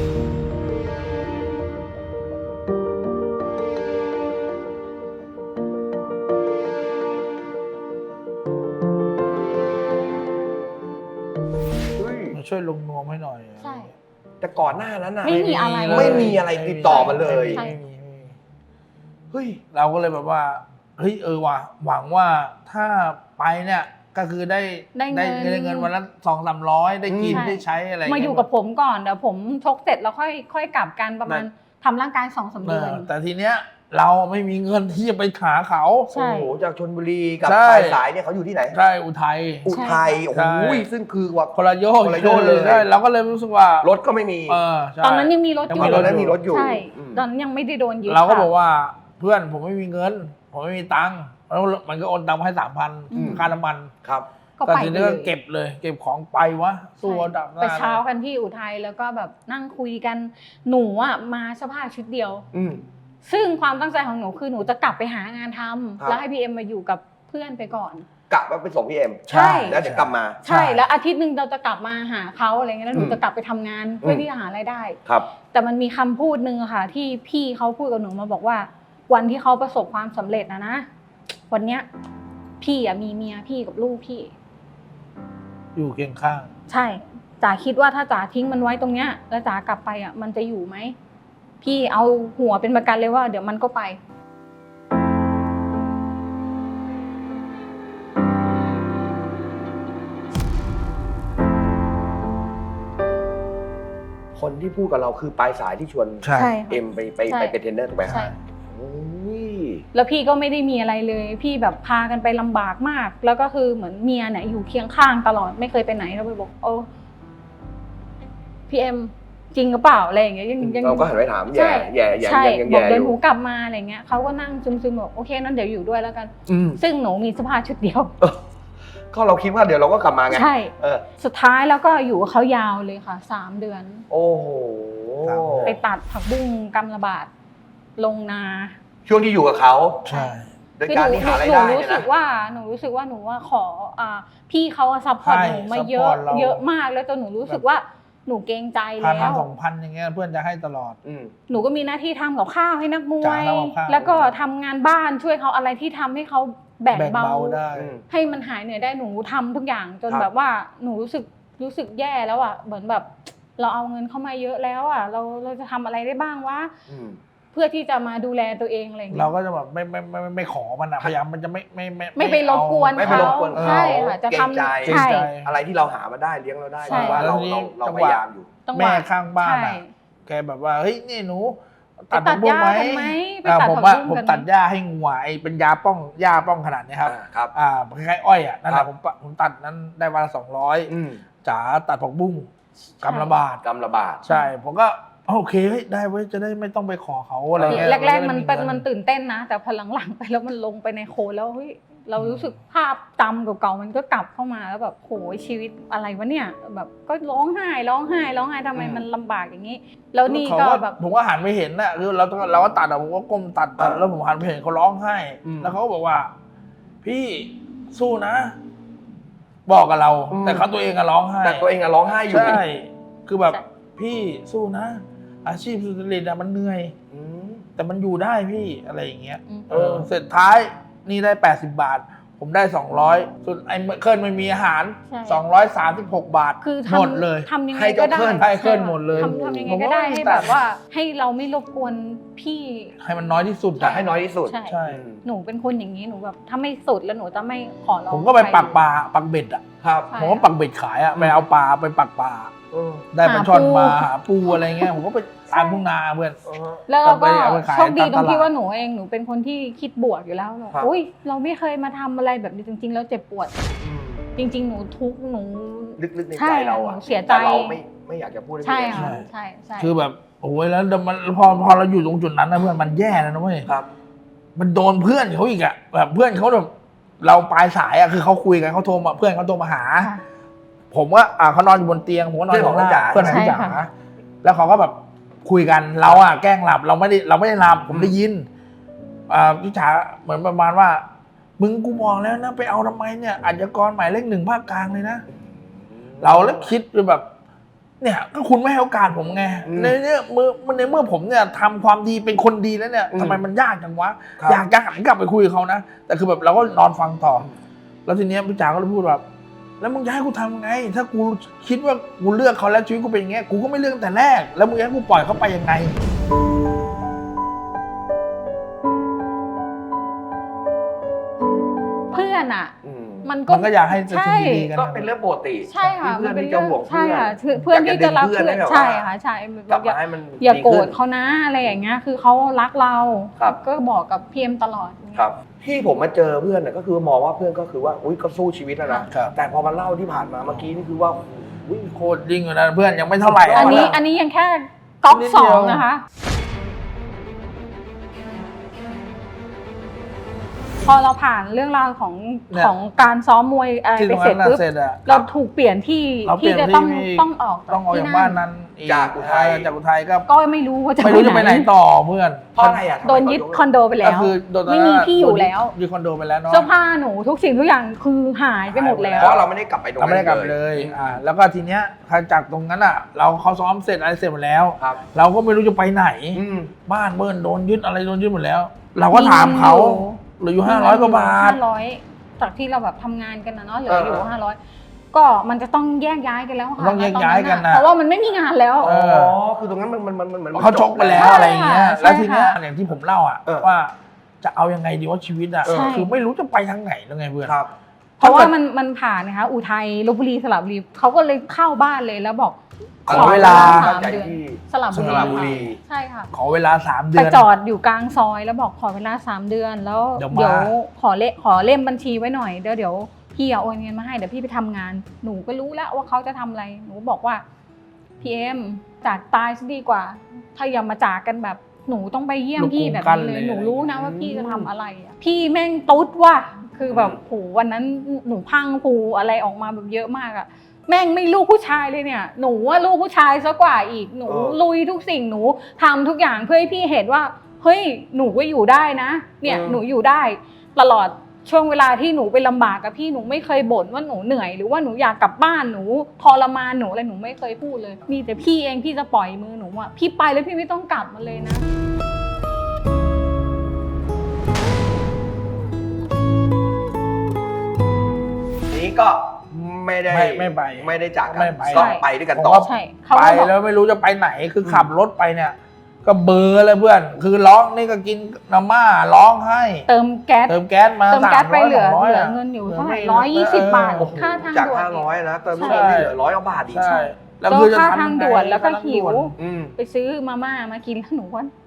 [SPEAKER 3] เฮ้ย
[SPEAKER 2] มาช่วยลงนวมให้หน่อย
[SPEAKER 1] ใช่
[SPEAKER 3] แต่ก่อนหน้านั้นน่ะ
[SPEAKER 1] ไม่มีอะไรเลย
[SPEAKER 3] ไม่มีอะไรติดต่อมาเลย
[SPEAKER 1] ใช่
[SPEAKER 2] ไม่มีไม่มี
[SPEAKER 3] เฮ้ย
[SPEAKER 2] เราก็เลยแบบว่าเฮ้ยเออว่ะหวังว่าถ้าไปเนี่ยก็คือได้
[SPEAKER 1] ได้เงิน
[SPEAKER 2] ได้เงินวันละสองสามร้อยได้กิน
[SPEAKER 1] ใช่
[SPEAKER 2] ได้ใช้อะไร
[SPEAKER 1] มาอยู่กับผมก่อนเดี๋ยวผมชกเสร็จแล้วค่อยค่อยกลับกันประมาณทำร่างกายสองสาม
[SPEAKER 2] เอ
[SPEAKER 1] เดือ
[SPEAKER 2] อน แต่ทีเนี้ยเราไม่มีเงินที่จะไปหาเขา
[SPEAKER 1] ใช่
[SPEAKER 3] โอ้โหจากชลบุรีกับ
[SPEAKER 2] ใช่
[SPEAKER 3] ปลายสายเนี่ยเขาอยู่ที่ไหน
[SPEAKER 2] ใช่อุทัย
[SPEAKER 3] อุทัยโอ้
[SPEAKER 2] ใช่
[SPEAKER 3] โหซึ่งคือว่า
[SPEAKER 2] คนละโยก
[SPEAKER 3] คนละโยกเลย
[SPEAKER 2] ใช่เราก็เลยรู้สึกว่าร
[SPEAKER 3] ถก็ไม่มี
[SPEAKER 2] เออใช่
[SPEAKER 1] ตอนนั้นยังมีรถอยู่
[SPEAKER 2] ยัง
[SPEAKER 3] ตอนนั้นมีรถอยู่
[SPEAKER 1] ใช่
[SPEAKER 3] อืม
[SPEAKER 1] ตอนนั้นยังไม่ได้โดนยึด
[SPEAKER 2] เราก็
[SPEAKER 1] ค่ะ
[SPEAKER 2] บอกว่าเพื่อนผมไม่มีเงิน ผมไม่มีตังค์แล้วมันก็โอนตังค์มาให้สามพัน
[SPEAKER 1] อืม
[SPEAKER 2] ค่าน้ำมัน
[SPEAKER 3] ครับ
[SPEAKER 1] ก็
[SPEAKER 2] แต่
[SPEAKER 1] ไป
[SPEAKER 2] ทีนี้ก็เก็บเลย เก็บของไปวะสู้เอาดับหน้า
[SPEAKER 1] ไปเช้ากันที่อุทัยแล้วก็แบบนั่งคุยกันหนูอ่ะมาเสภาพชุดเดียว
[SPEAKER 3] อืม
[SPEAKER 1] ซึ่งความตั้งใจของหนูคือหนูจะกลับไปหางานทำ
[SPEAKER 3] ครับ
[SPEAKER 1] แล้วให้พีเอ็มมาอยู่กับเพื่อนไปก่อน
[SPEAKER 3] กลับมาไปส่งพี่เอ็ม
[SPEAKER 1] ใช่
[SPEAKER 3] แล้วเดี๋ยวกลับมา
[SPEAKER 1] ใช่แล้วอาทิตย์หนึ่งเราจะกลับมาหาเขาอะไรเงี้ยแล้วหนู
[SPEAKER 3] อืม
[SPEAKER 1] จะกลับไปทำงานเพื่อที่จะหารายได้
[SPEAKER 3] ครับ
[SPEAKER 1] แต่มันมีคำพูดหนึ่งอะค่ะ ที่พี่เขาพูดกับหนูมาบอกว่า วันที่เขาประสบความสำเร็จนะนะวันเนี้ยพี่อะมีเมียพี่กับลูกพี่
[SPEAKER 2] อยู่เคียงข้าง
[SPEAKER 1] ใช่จ๋าคิดว่าถ้าจ๋าทิ้งมันไว้ตรงเนี้ยแล้วจ๋ากลับไปอ่ะมันจะอยู่ไหมพี่เอาหัวเป็นประกันเลยว่า เดี๋ยวมันก็ไป
[SPEAKER 3] คนที่พูดกับเราคือปลายสายที่ชวน
[SPEAKER 2] ใช่
[SPEAKER 1] ใช่
[SPEAKER 3] เอ็มไปไป
[SPEAKER 1] ใช่
[SPEAKER 3] ไปเป็นเทรนเนอร์ถูกไหม
[SPEAKER 1] ใช่
[SPEAKER 3] โอ้ย
[SPEAKER 1] แล้วพี่ก็ไม่ได้มีอะไรเลย พี่แบบพากันไปลำบากมาก แล้วก็คือเหมือนเมียเนี่ยอยู่เคียงข้างตลอดไม่เคยไปไหนเราไปบอกโอ้พี่เอ็มจริงหรือเปล่าอะไรอย่างเงี้ยยังยัง
[SPEAKER 3] เราก็หันไปถามแย่
[SPEAKER 1] ใช่
[SPEAKER 3] แย่แย่
[SPEAKER 1] ใช่
[SPEAKER 3] ยังยัง
[SPEAKER 1] บอก
[SPEAKER 3] แย่
[SPEAKER 1] เดี๋ยว
[SPEAKER 3] อ
[SPEAKER 1] หนู
[SPEAKER 3] ยู่
[SPEAKER 1] กลับมาอะไรเงี้ยเขาก็นั่งซึมๆบอกโอเคนั้นเดี๋ยวอยู่ด้วยแล้วกัน
[SPEAKER 3] อืม
[SPEAKER 1] ซึ่งหนูมีเสภาพชุดเดียว
[SPEAKER 3] ก็เราคิดว่าเดี๋ยวเราก็กลับมาไง
[SPEAKER 1] ใช่
[SPEAKER 3] เออ
[SPEAKER 1] สุดท้ายแล้วก็อยู่กับเขายาวเลยค่ะสามเดือน
[SPEAKER 3] โอ้โห
[SPEAKER 1] ไปตัดผักบุ้งกำระบาดลงนา
[SPEAKER 3] ช่วงที่อยู่กับเขา
[SPEAKER 2] ใช่
[SPEAKER 3] โดยการที่หาราย
[SPEAKER 1] หนู
[SPEAKER 3] ได้
[SPEAKER 1] รู้
[SPEAKER 3] เนี่ย
[SPEAKER 1] สึ
[SPEAKER 3] นะ
[SPEAKER 1] กว่าหนูรู้สึกว่าหนูว่าขออ่าพี่เขาซัพพอร์ตหนูมาเยอะเยอะมากแล้วจนหนูรู้สึกว่าหนูเกรงใจ
[SPEAKER 2] พัน
[SPEAKER 1] แล้ว
[SPEAKER 2] สองพันอย่างเงี้ยเพื่อนจะให้ตลอด
[SPEAKER 3] อืม
[SPEAKER 1] หนูก็มีหน้าที่ทำกับข้าวให้นักมว
[SPEAKER 2] จ้าย ทำกับข้าว
[SPEAKER 1] แล้วก็ทำงานบ้านช่วยเขาอะไรที่ทำให้เขาแบ่ง
[SPEAKER 2] แบ่ง
[SPEAKER 1] เบา
[SPEAKER 2] เบาได้
[SPEAKER 3] อืม
[SPEAKER 1] ให้มันหายเหนื่อยได้หนูทำทุกอย่างจน
[SPEAKER 3] ครับ
[SPEAKER 1] แบบว่าหนูรู้สึกรู้สึกแย่แล้วอ่ะเหมือนแบบ เราเอาเงินเข้ามาเยอะแล้วอ่ะเราเราจะทำอะไรได้บ้างวะ
[SPEAKER 3] อืม
[SPEAKER 1] เพื่อที่จะมาดูแลตัวเองอะไรอย่างเงี้ย
[SPEAKER 2] เราก็จะแบบไม่ไม่ไม่ไม่ไม่ขอมันอะพยายามมันจะไม่ไม่ไม่
[SPEAKER 1] ไม่ไปรบกวน
[SPEAKER 3] ไม่ไปรบกวน
[SPEAKER 1] ใช่ค่ะจะ
[SPEAKER 3] เกรงใจ
[SPEAKER 1] ทำ
[SPEAKER 2] เกรง
[SPEAKER 1] ใช่
[SPEAKER 2] ใจ
[SPEAKER 3] อะไรที่เราหามาได้เลี้ยงเราได้
[SPEAKER 1] ใช่
[SPEAKER 3] ถือว่าเรา
[SPEAKER 2] แล้วทีนี้
[SPEAKER 3] เราเรา
[SPEAKER 2] จังห
[SPEAKER 3] พ
[SPEAKER 2] วะ
[SPEAKER 3] ยายามอยู่
[SPEAKER 1] ต้อง
[SPEAKER 2] แม่ข้างบ้าน
[SPEAKER 1] ใช่
[SPEAKER 2] อะแกแบบว่าเฮ้ยนี่หนูตัด
[SPEAKER 1] ตั
[SPEAKER 2] ผั
[SPEAKER 1] ด
[SPEAKER 2] กบุ้
[SPEAKER 1] ห
[SPEAKER 2] ง
[SPEAKER 1] ญ้า
[SPEAKER 2] ไหม
[SPEAKER 1] กันไหมไป
[SPEAKER 2] อ่า
[SPEAKER 1] ตัด
[SPEAKER 2] ผม
[SPEAKER 1] ผัก
[SPEAKER 2] ว่า
[SPEAKER 1] บุ้ง
[SPEAKER 2] ผม
[SPEAKER 1] กัน
[SPEAKER 2] ตัดหญ้าให้งัวไอ้เป็นยาป้องหญ้าป้องขนาดนี้ครับ
[SPEAKER 3] อ่าครับ
[SPEAKER 2] อ่าคล้ายๆอ้อยอ่ะนั่นแห
[SPEAKER 3] ครั
[SPEAKER 2] ละ
[SPEAKER 3] บ
[SPEAKER 2] ผมปะผมตัดนั้นได้วันละสองร้อย
[SPEAKER 3] อืม
[SPEAKER 2] จ๋าตัดผักบุ้งกำละบาท
[SPEAKER 3] กำละบาท
[SPEAKER 2] ใช่ผมก็โอเคเฮ้ยได้เว้ยจะได้ไม่ต้องไปขอเขาอะไรเงี้ย
[SPEAKER 1] แรกๆมันเป็น
[SPEAKER 2] จะได้
[SPEAKER 1] มันตื่นเต้นนะ แต่พอหลังๆไปแล้วมันลงไปในโคลนแล้วเฮ้ยเรารู้สึกภาพจำเก่าๆมันก็กลับเข้ามาแล้วแบบโหยชีวิตอะไรวะเนี่ยแบบก็ร้องไห้ร้องไห้ร้องไห้ทำไม
[SPEAKER 3] อืม
[SPEAKER 1] มันลำบากอย่างนี้ แล้วนี่
[SPEAKER 2] เขา
[SPEAKER 1] ก็
[SPEAKER 2] ก็
[SPEAKER 1] แบบ
[SPEAKER 2] ผมก็หันไปเห็นน่ะคือเราต้องเราก็ตัดอะผมก็ก้มตัดตัดแล้วผมหันไปเห็นเขาร้องไห้
[SPEAKER 3] อืม
[SPEAKER 2] แล้วเขาก็บอกว่า พี่สู้นะ บอกกับเรา
[SPEAKER 3] อืม
[SPEAKER 2] แต่เขาตัวเองก็ร้องไห้
[SPEAKER 3] แต่ตัวเองอะร้องไห้อยู่
[SPEAKER 2] ใช่คือแบบ
[SPEAKER 1] ใช่
[SPEAKER 2] พี่สู้นะ อาชีพสุจริตอะมันเหนื่อย
[SPEAKER 3] อืม
[SPEAKER 2] แต่มันอยู่ได้พี่อะไรอย่างเงี้ย
[SPEAKER 1] อืม
[SPEAKER 2] เออเสร็จท้ายนี่ได้แปดสิบบาท ผมได้สองร้อยส่วนไอ้เคลื่อนไม่มีอาหาร
[SPEAKER 1] ใช่
[SPEAKER 2] สองร้อยสามสิบหกบาท
[SPEAKER 1] คือ
[SPEAKER 2] หมด
[SPEAKER 1] ทำ
[SPEAKER 2] เลย
[SPEAKER 1] ทำยังไง
[SPEAKER 3] ให้
[SPEAKER 1] ก็
[SPEAKER 3] เจ้า
[SPEAKER 1] ได้
[SPEAKER 3] เคลื่อน
[SPEAKER 2] ให้เคลื่อนหมดเลย
[SPEAKER 1] ทำทำยังไง
[SPEAKER 2] ผม
[SPEAKER 1] ก็
[SPEAKER 2] ว่า
[SPEAKER 1] ได้ให้
[SPEAKER 2] แต่
[SPEAKER 1] แบบว่า ให้เราไม่รบกวนพี่
[SPEAKER 2] ให้มันน้อยที่สุด
[SPEAKER 3] จะ
[SPEAKER 2] อะ
[SPEAKER 3] ให้น้อยที่สุด
[SPEAKER 1] ใช่
[SPEAKER 2] ใช่
[SPEAKER 3] อืม
[SPEAKER 1] หนูเป็นคนอย่างนี้หนูแบบถ้าไม่สุดแล้วหนูจะไม่ขอร้อง
[SPEAKER 2] ผมก็ไป
[SPEAKER 1] ใคร
[SPEAKER 2] ปักปลาปักเบ็ดอ่ะ
[SPEAKER 3] ครับ
[SPEAKER 1] ใช่
[SPEAKER 2] ผมก็ปักเบ็ดขายอ่ะไปเอาปลาไปปักปลา
[SPEAKER 3] เออ
[SPEAKER 2] ได้ปลาช่อน
[SPEAKER 1] หาปู
[SPEAKER 2] มาหาปูอะไรเงี้ยผมก็ไปตามทุ่งนาเพื่อน
[SPEAKER 3] เออ
[SPEAKER 1] แล้วเราก็
[SPEAKER 2] เอาไปขาย
[SPEAKER 1] โชคดีตรงที่
[SPEAKER 2] ตามตลาด
[SPEAKER 1] ว่าหนูเองหนูเป็นคนที่คิดบวกอยู่แล้วเรา
[SPEAKER 3] ครับ
[SPEAKER 1] อุ้ยเราไม่เคยมาทำอะไรแบบนี้จริง ๆ แล้วเจ็บปวด
[SPEAKER 3] อืม
[SPEAKER 1] จริง ๆ หนูทุกข์หนู
[SPEAKER 3] ลึกๆใน
[SPEAKER 1] ใช่
[SPEAKER 3] ใจเราอะ
[SPEAKER 1] หนูเสียใจ
[SPEAKER 3] แต่เราไม่ไม่อยากจะพูดห้
[SPEAKER 1] ใช่
[SPEAKER 3] พี่เอ็ม
[SPEAKER 1] ค่ะใช่ใช่
[SPEAKER 2] คือแบบโอ้ยแล้วมันพอพอเราอยู่ตรงจุดนั้นนะเพื่อนมันแย่แล้วนะเว้ย
[SPEAKER 3] ครับ
[SPEAKER 2] มันโดนเพื่อนเขาอีกอ่ะแบบเพื่อนเขาแบบเราปลายสายอ่ะคือเขาคุยกันเขาโทรมาเพื่อนเขาโทรมาหา
[SPEAKER 1] ค่ะ
[SPEAKER 2] ผมว่าอ่าเขานอนอยู่บนเตียงผมก็นอนอยู่ข้างล่าง
[SPEAKER 3] เพื่
[SPEAKER 2] เพื่อ
[SPEAKER 3] อน น
[SPEAKER 2] ข
[SPEAKER 3] ข
[SPEAKER 2] อ
[SPEAKER 3] อง ง
[SPEAKER 2] พี่
[SPEAKER 3] พี่
[SPEAKER 2] จ๋า
[SPEAKER 3] จ๋า
[SPEAKER 2] แล้วเขาก็แบบคุยกันเราอ่ะแกล้งหลับเราไม่ได้เราไม่ได้หลับผมได้ยินอ่าพี่จ๋าเหมือนประมาณว่า มึงกูมองแล้วนะไปเอาทำไมเนี่ยอาชญากรหมายเลขหนึ่งภาคกลางเลยนะเราแล้วคิดแบบ เนี่ยก็คุณไม่ให้โอกาสผมไง
[SPEAKER 3] อืม
[SPEAKER 2] ในเนี้ยเมื่อในเมื่อผมเนี่ยทำความดีเป็นคนดีแล้วเนี่ย
[SPEAKER 3] อืม
[SPEAKER 2] ทำไมมันยากจังวะ
[SPEAKER 3] ครับ
[SPEAKER 2] อยากจะหันกลับไปคุยกับเขานะแต่คือแบบเราก็นอนฟังต่อ แล้วทีเนี้ยพี่จ๋าก็เลยพูดแบบแล้วมึงจะให้กูทำไง ถ้ากูคิดว่ากูเลือกเขาแล้วชีวิตกูเป็นอย่างเงี้ยกูก็ไม่เลือกตั้งแต่แรก แล้วมึงจะให้กูปล่อยเขาไปยังไง
[SPEAKER 1] เพื่อนอ่ะ
[SPEAKER 3] อืม
[SPEAKER 1] มันก็
[SPEAKER 2] มันก็อยากให้จะ
[SPEAKER 1] ใช่
[SPEAKER 2] ดีๆกัน
[SPEAKER 3] ก็
[SPEAKER 2] นะ
[SPEAKER 3] เป็นเรื่องปกติ
[SPEAKER 1] ใช่ค่ะ
[SPEAKER 3] ที่เพื่อน
[SPEAKER 1] มัป็
[SPEAKER 3] ที่จะห่วงเพื่
[SPEAKER 1] ใช่
[SPEAKER 3] อน
[SPEAKER 1] ค่ะคือเพื่อนที่จะรัก
[SPEAKER 3] ยา
[SPEAKER 1] เพื่อน
[SPEAKER 3] ให้แบบ
[SPEAKER 1] ใช่
[SPEAKER 3] ว่า
[SPEAKER 1] ค่ะใช่
[SPEAKER 3] กลับ
[SPEAKER 1] อย่า
[SPEAKER 3] มาให้มัน
[SPEAKER 1] อย่าโกร
[SPEAKER 3] ดี
[SPEAKER 1] ธ
[SPEAKER 3] ขึ้น
[SPEAKER 1] เขานะอะไรอย่างเงี้ยคือเขารักเรา
[SPEAKER 3] ครับ
[SPEAKER 1] ก็บอกกับพีเอ็มตลอดอย่างเงี้ย
[SPEAKER 3] ครับที่ผมมาเจอเพื่อนน่ะก็คือมองว่าเพื่อนก็คือว่าอุ้ยก็สู้ชีวิตแล้วนะครับ แต่พอมาเล่าที่ผ่านมาเมื่อกี้นี่คือว่าอุ้ย
[SPEAKER 2] โคตรยิ่งอยู่นะเพื่อนยังไม่เท่าไหร่
[SPEAKER 1] อันนี้
[SPEAKER 2] ะ
[SPEAKER 1] อันนี้ยังแค่ก๊อก
[SPEAKER 2] นิด
[SPEAKER 1] ส
[SPEAKER 2] เดี
[SPEAKER 1] อ
[SPEAKER 2] ยว
[SPEAKER 1] งนะคะ พอเราผ่านเรื่องราวของ
[SPEAKER 2] เนี่ย
[SPEAKER 1] ของการซ้อมมวยอะไร
[SPEAKER 2] ที่
[SPEAKER 1] ไป
[SPEAKER 2] ตรง
[SPEAKER 1] เสร็
[SPEAKER 2] นั้
[SPEAKER 1] จ
[SPEAKER 2] นน่ะ
[SPEAKER 1] ปุ๊บ
[SPEAKER 2] เสร็จอะ
[SPEAKER 1] เราถูกเปลี่ยนที่
[SPEAKER 2] เราเปลี่
[SPEAKER 1] ที่
[SPEAKER 2] ยน
[SPEAKER 1] จะต้อง
[SPEAKER 2] ที่
[SPEAKER 1] ต้องออก
[SPEAKER 2] ต้องออก
[SPEAKER 1] ที่
[SPEAKER 2] จากบ้านนั้นอี
[SPEAKER 3] จากอุทัย
[SPEAKER 2] เจากอุทัยก็
[SPEAKER 1] ก็ไม่รู้ว่าจะ
[SPEAKER 2] ไม่รู้จะไปไหนต่อเพื่อน
[SPEAKER 3] เพราะอะไรอ่ะทำไม
[SPEAKER 1] โดนยึดคอนโดไปแล้
[SPEAKER 2] ก็
[SPEAKER 1] ว
[SPEAKER 2] คือโดน
[SPEAKER 1] ไม่มีที่อยู่แล้ว
[SPEAKER 2] ยึดคอนโดไปแล้วเนาะ
[SPEAKER 1] เสื้อผ้าหนูทุกสิ่งทุกอย่างคือหายไปหมดแล้ว
[SPEAKER 3] เพราะเราไม่ได้กลับไปตรง
[SPEAKER 2] เรา
[SPEAKER 3] นั้น
[SPEAKER 2] ไม่ได้กลับเลย อ่า แล้วก็ทีเนี้ยจากตรงนั้นอ่ะ เราเขาซ้อมเสร็จอะไรเสร็จหมดแล้ว
[SPEAKER 3] ครับ
[SPEAKER 2] เราก็ไม่รู้จะไปไหน
[SPEAKER 3] อืม
[SPEAKER 2] บ้านเบิ้ลโดนยึดอะไรโดนยึดหมดแล้ว เราก็ถามเขาเหลืออยู่ห้าร้อยกว่าบาท
[SPEAKER 1] ห้าร้อยจากที่เราแบบทำงานกันนะเนาะเหลือ
[SPEAKER 3] เออ
[SPEAKER 1] อ
[SPEAKER 3] อ
[SPEAKER 1] ยู่ห้าร้อยก็มันจะต้องแยกย้ายกันแล้วค่ะ
[SPEAKER 2] ต้องแยกย้ายกันนะ
[SPEAKER 1] เพราะว่ามันไม่มีงานแล้ว
[SPEAKER 2] เอ
[SPEAKER 3] อ๋อ
[SPEAKER 2] อ
[SPEAKER 3] คือตรงนั้นมันมันมันมันเหมือน
[SPEAKER 2] เขาชกไปแล้ว
[SPEAKER 1] ใช่
[SPEAKER 2] อะไรอย่างเงี้ย
[SPEAKER 1] ใช่
[SPEAKER 2] แล้วทีเนี้ย
[SPEAKER 1] ค่ะ
[SPEAKER 2] อย่างที่ผมเล่าอ่ะ
[SPEAKER 3] เออ
[SPEAKER 2] ว่าจะเอายังไงดีว่าชีวิตอ่ะ
[SPEAKER 1] ใช่
[SPEAKER 2] คือไม่รู้จะไปทางไหนแล้วไงเพื่อน
[SPEAKER 3] ครับ
[SPEAKER 1] เพราะว่ามันมันผ่านนะคะอุทัยลพบุรีสระบุรีเขาก็เลยเข้าบ้านเลยแล้วบอก
[SPEAKER 2] ขอเวลา
[SPEAKER 1] สามเดือนสระบุ
[SPEAKER 2] สระบุ
[SPEAKER 1] รี
[SPEAKER 2] รี
[SPEAKER 1] ค่ะใช่ค่ะ
[SPEAKER 2] ขอเวลาสามเดื
[SPEAKER 1] ไป
[SPEAKER 2] อน
[SPEAKER 1] จอดอยู่กลางซอยแล้วบอกขอเวลาสามเดือนแล้ว
[SPEAKER 2] เดี๋ยวมา
[SPEAKER 1] เดี๋ยวขอเลขขอเล่มบัญชีไว้หน่อยเดี๋ยวเดี๋ยวพี่เอาโอนเงินมาให้เดี๋ยวพี่ไปทำงานหนูก็รู้แล้วว่าเขาจะทำอะไรหนูบอกว่าพี่เอ็มจากตายซะดีกว่า ถ้าอย่ามาจากกันแบบหนูต้องไปเยี่ยมพี่แบบนี้เลยหนูรู้นะว่าพี่จะทำอะไรอะพี่แม่งตุ๊ดว่ะคือแบบโหวันนั้นหนูพังผูอะไรออกมาแบบเยอะมากอะแม่งไม่ลูกผู้ชายเลยเนี่ยหนูว่าลูกผู้ชายซะกว่าอีกหนู
[SPEAKER 3] เออ
[SPEAKER 1] ลุยทุกสิ่งหนูทำทุกอย่างเพื่อให้พี่เห็นว่าเฮ้ยหนูก็อยู่ได้นะเนี่ยหนูอยู่ได้ตลอดช่วงเวลาที่หนูไปลำบากกับพี่หนูไม่เคยบ่นว่าหนูเหนื่อยหรือว่าหนูอยากกลับบ้านหนูทรมานหนูอะไรหนูไม่เคยพูดเลยมีแต่พี่เองพี่จะปล่อยมือหนูอะพี่ไปแล้วพี่ไม่ต้องกลับมาเลยนะ
[SPEAKER 3] นี้ก็ไม่ได้
[SPEAKER 2] ไม่ไม่ไป
[SPEAKER 3] ไม่ได้จากกั
[SPEAKER 2] ไม่ไป
[SPEAKER 3] ก็ไปด้วยกัน
[SPEAKER 2] ผม
[SPEAKER 3] ต่อ
[SPEAKER 2] ว่า
[SPEAKER 1] ใช่เขา
[SPEAKER 2] ไป
[SPEAKER 1] ก็บอก
[SPEAKER 2] แล้วไม่รู้จะไปไหนคือขับรถไปเนี่ย ก็เบลอร์เลยเพื่อน คือร้องนี่ก็กินน้ำม่าร้องให้
[SPEAKER 1] เติมแก๊ส
[SPEAKER 2] เติมแก๊สมา
[SPEAKER 1] เติมแก๊สไปเหลือ
[SPEAKER 2] สามร้ย
[SPEAKER 1] เหลือ
[SPEAKER 2] สงร้ยะ
[SPEAKER 1] เงินอยู่
[SPEAKER 2] หลื
[SPEAKER 1] เท่าไหร่
[SPEAKER 2] ม่
[SPEAKER 1] ร้อยยี่สิบบาท
[SPEAKER 2] โอ้โห
[SPEAKER 1] ค่าทาง
[SPEAKER 3] จาก
[SPEAKER 1] ด่วน
[SPEAKER 3] ห้าร้อยนะเติม
[SPEAKER 1] ใช่
[SPEAKER 3] เงินนี่เหลือร้อยกว่าบาทอีก
[SPEAKER 2] ใช่
[SPEAKER 1] แล้ว
[SPEAKER 2] คือจะ
[SPEAKER 1] ค่า
[SPEAKER 2] ทำ
[SPEAKER 1] ทาง
[SPEAKER 2] ยังไง
[SPEAKER 1] ด่วนแล้วก็
[SPEAKER 2] ค่าทาง
[SPEAKER 1] หิว
[SPEAKER 2] ด่น
[SPEAKER 3] อืม
[SPEAKER 1] ไปซื้อมาม่ามากินแล้วหนูว่า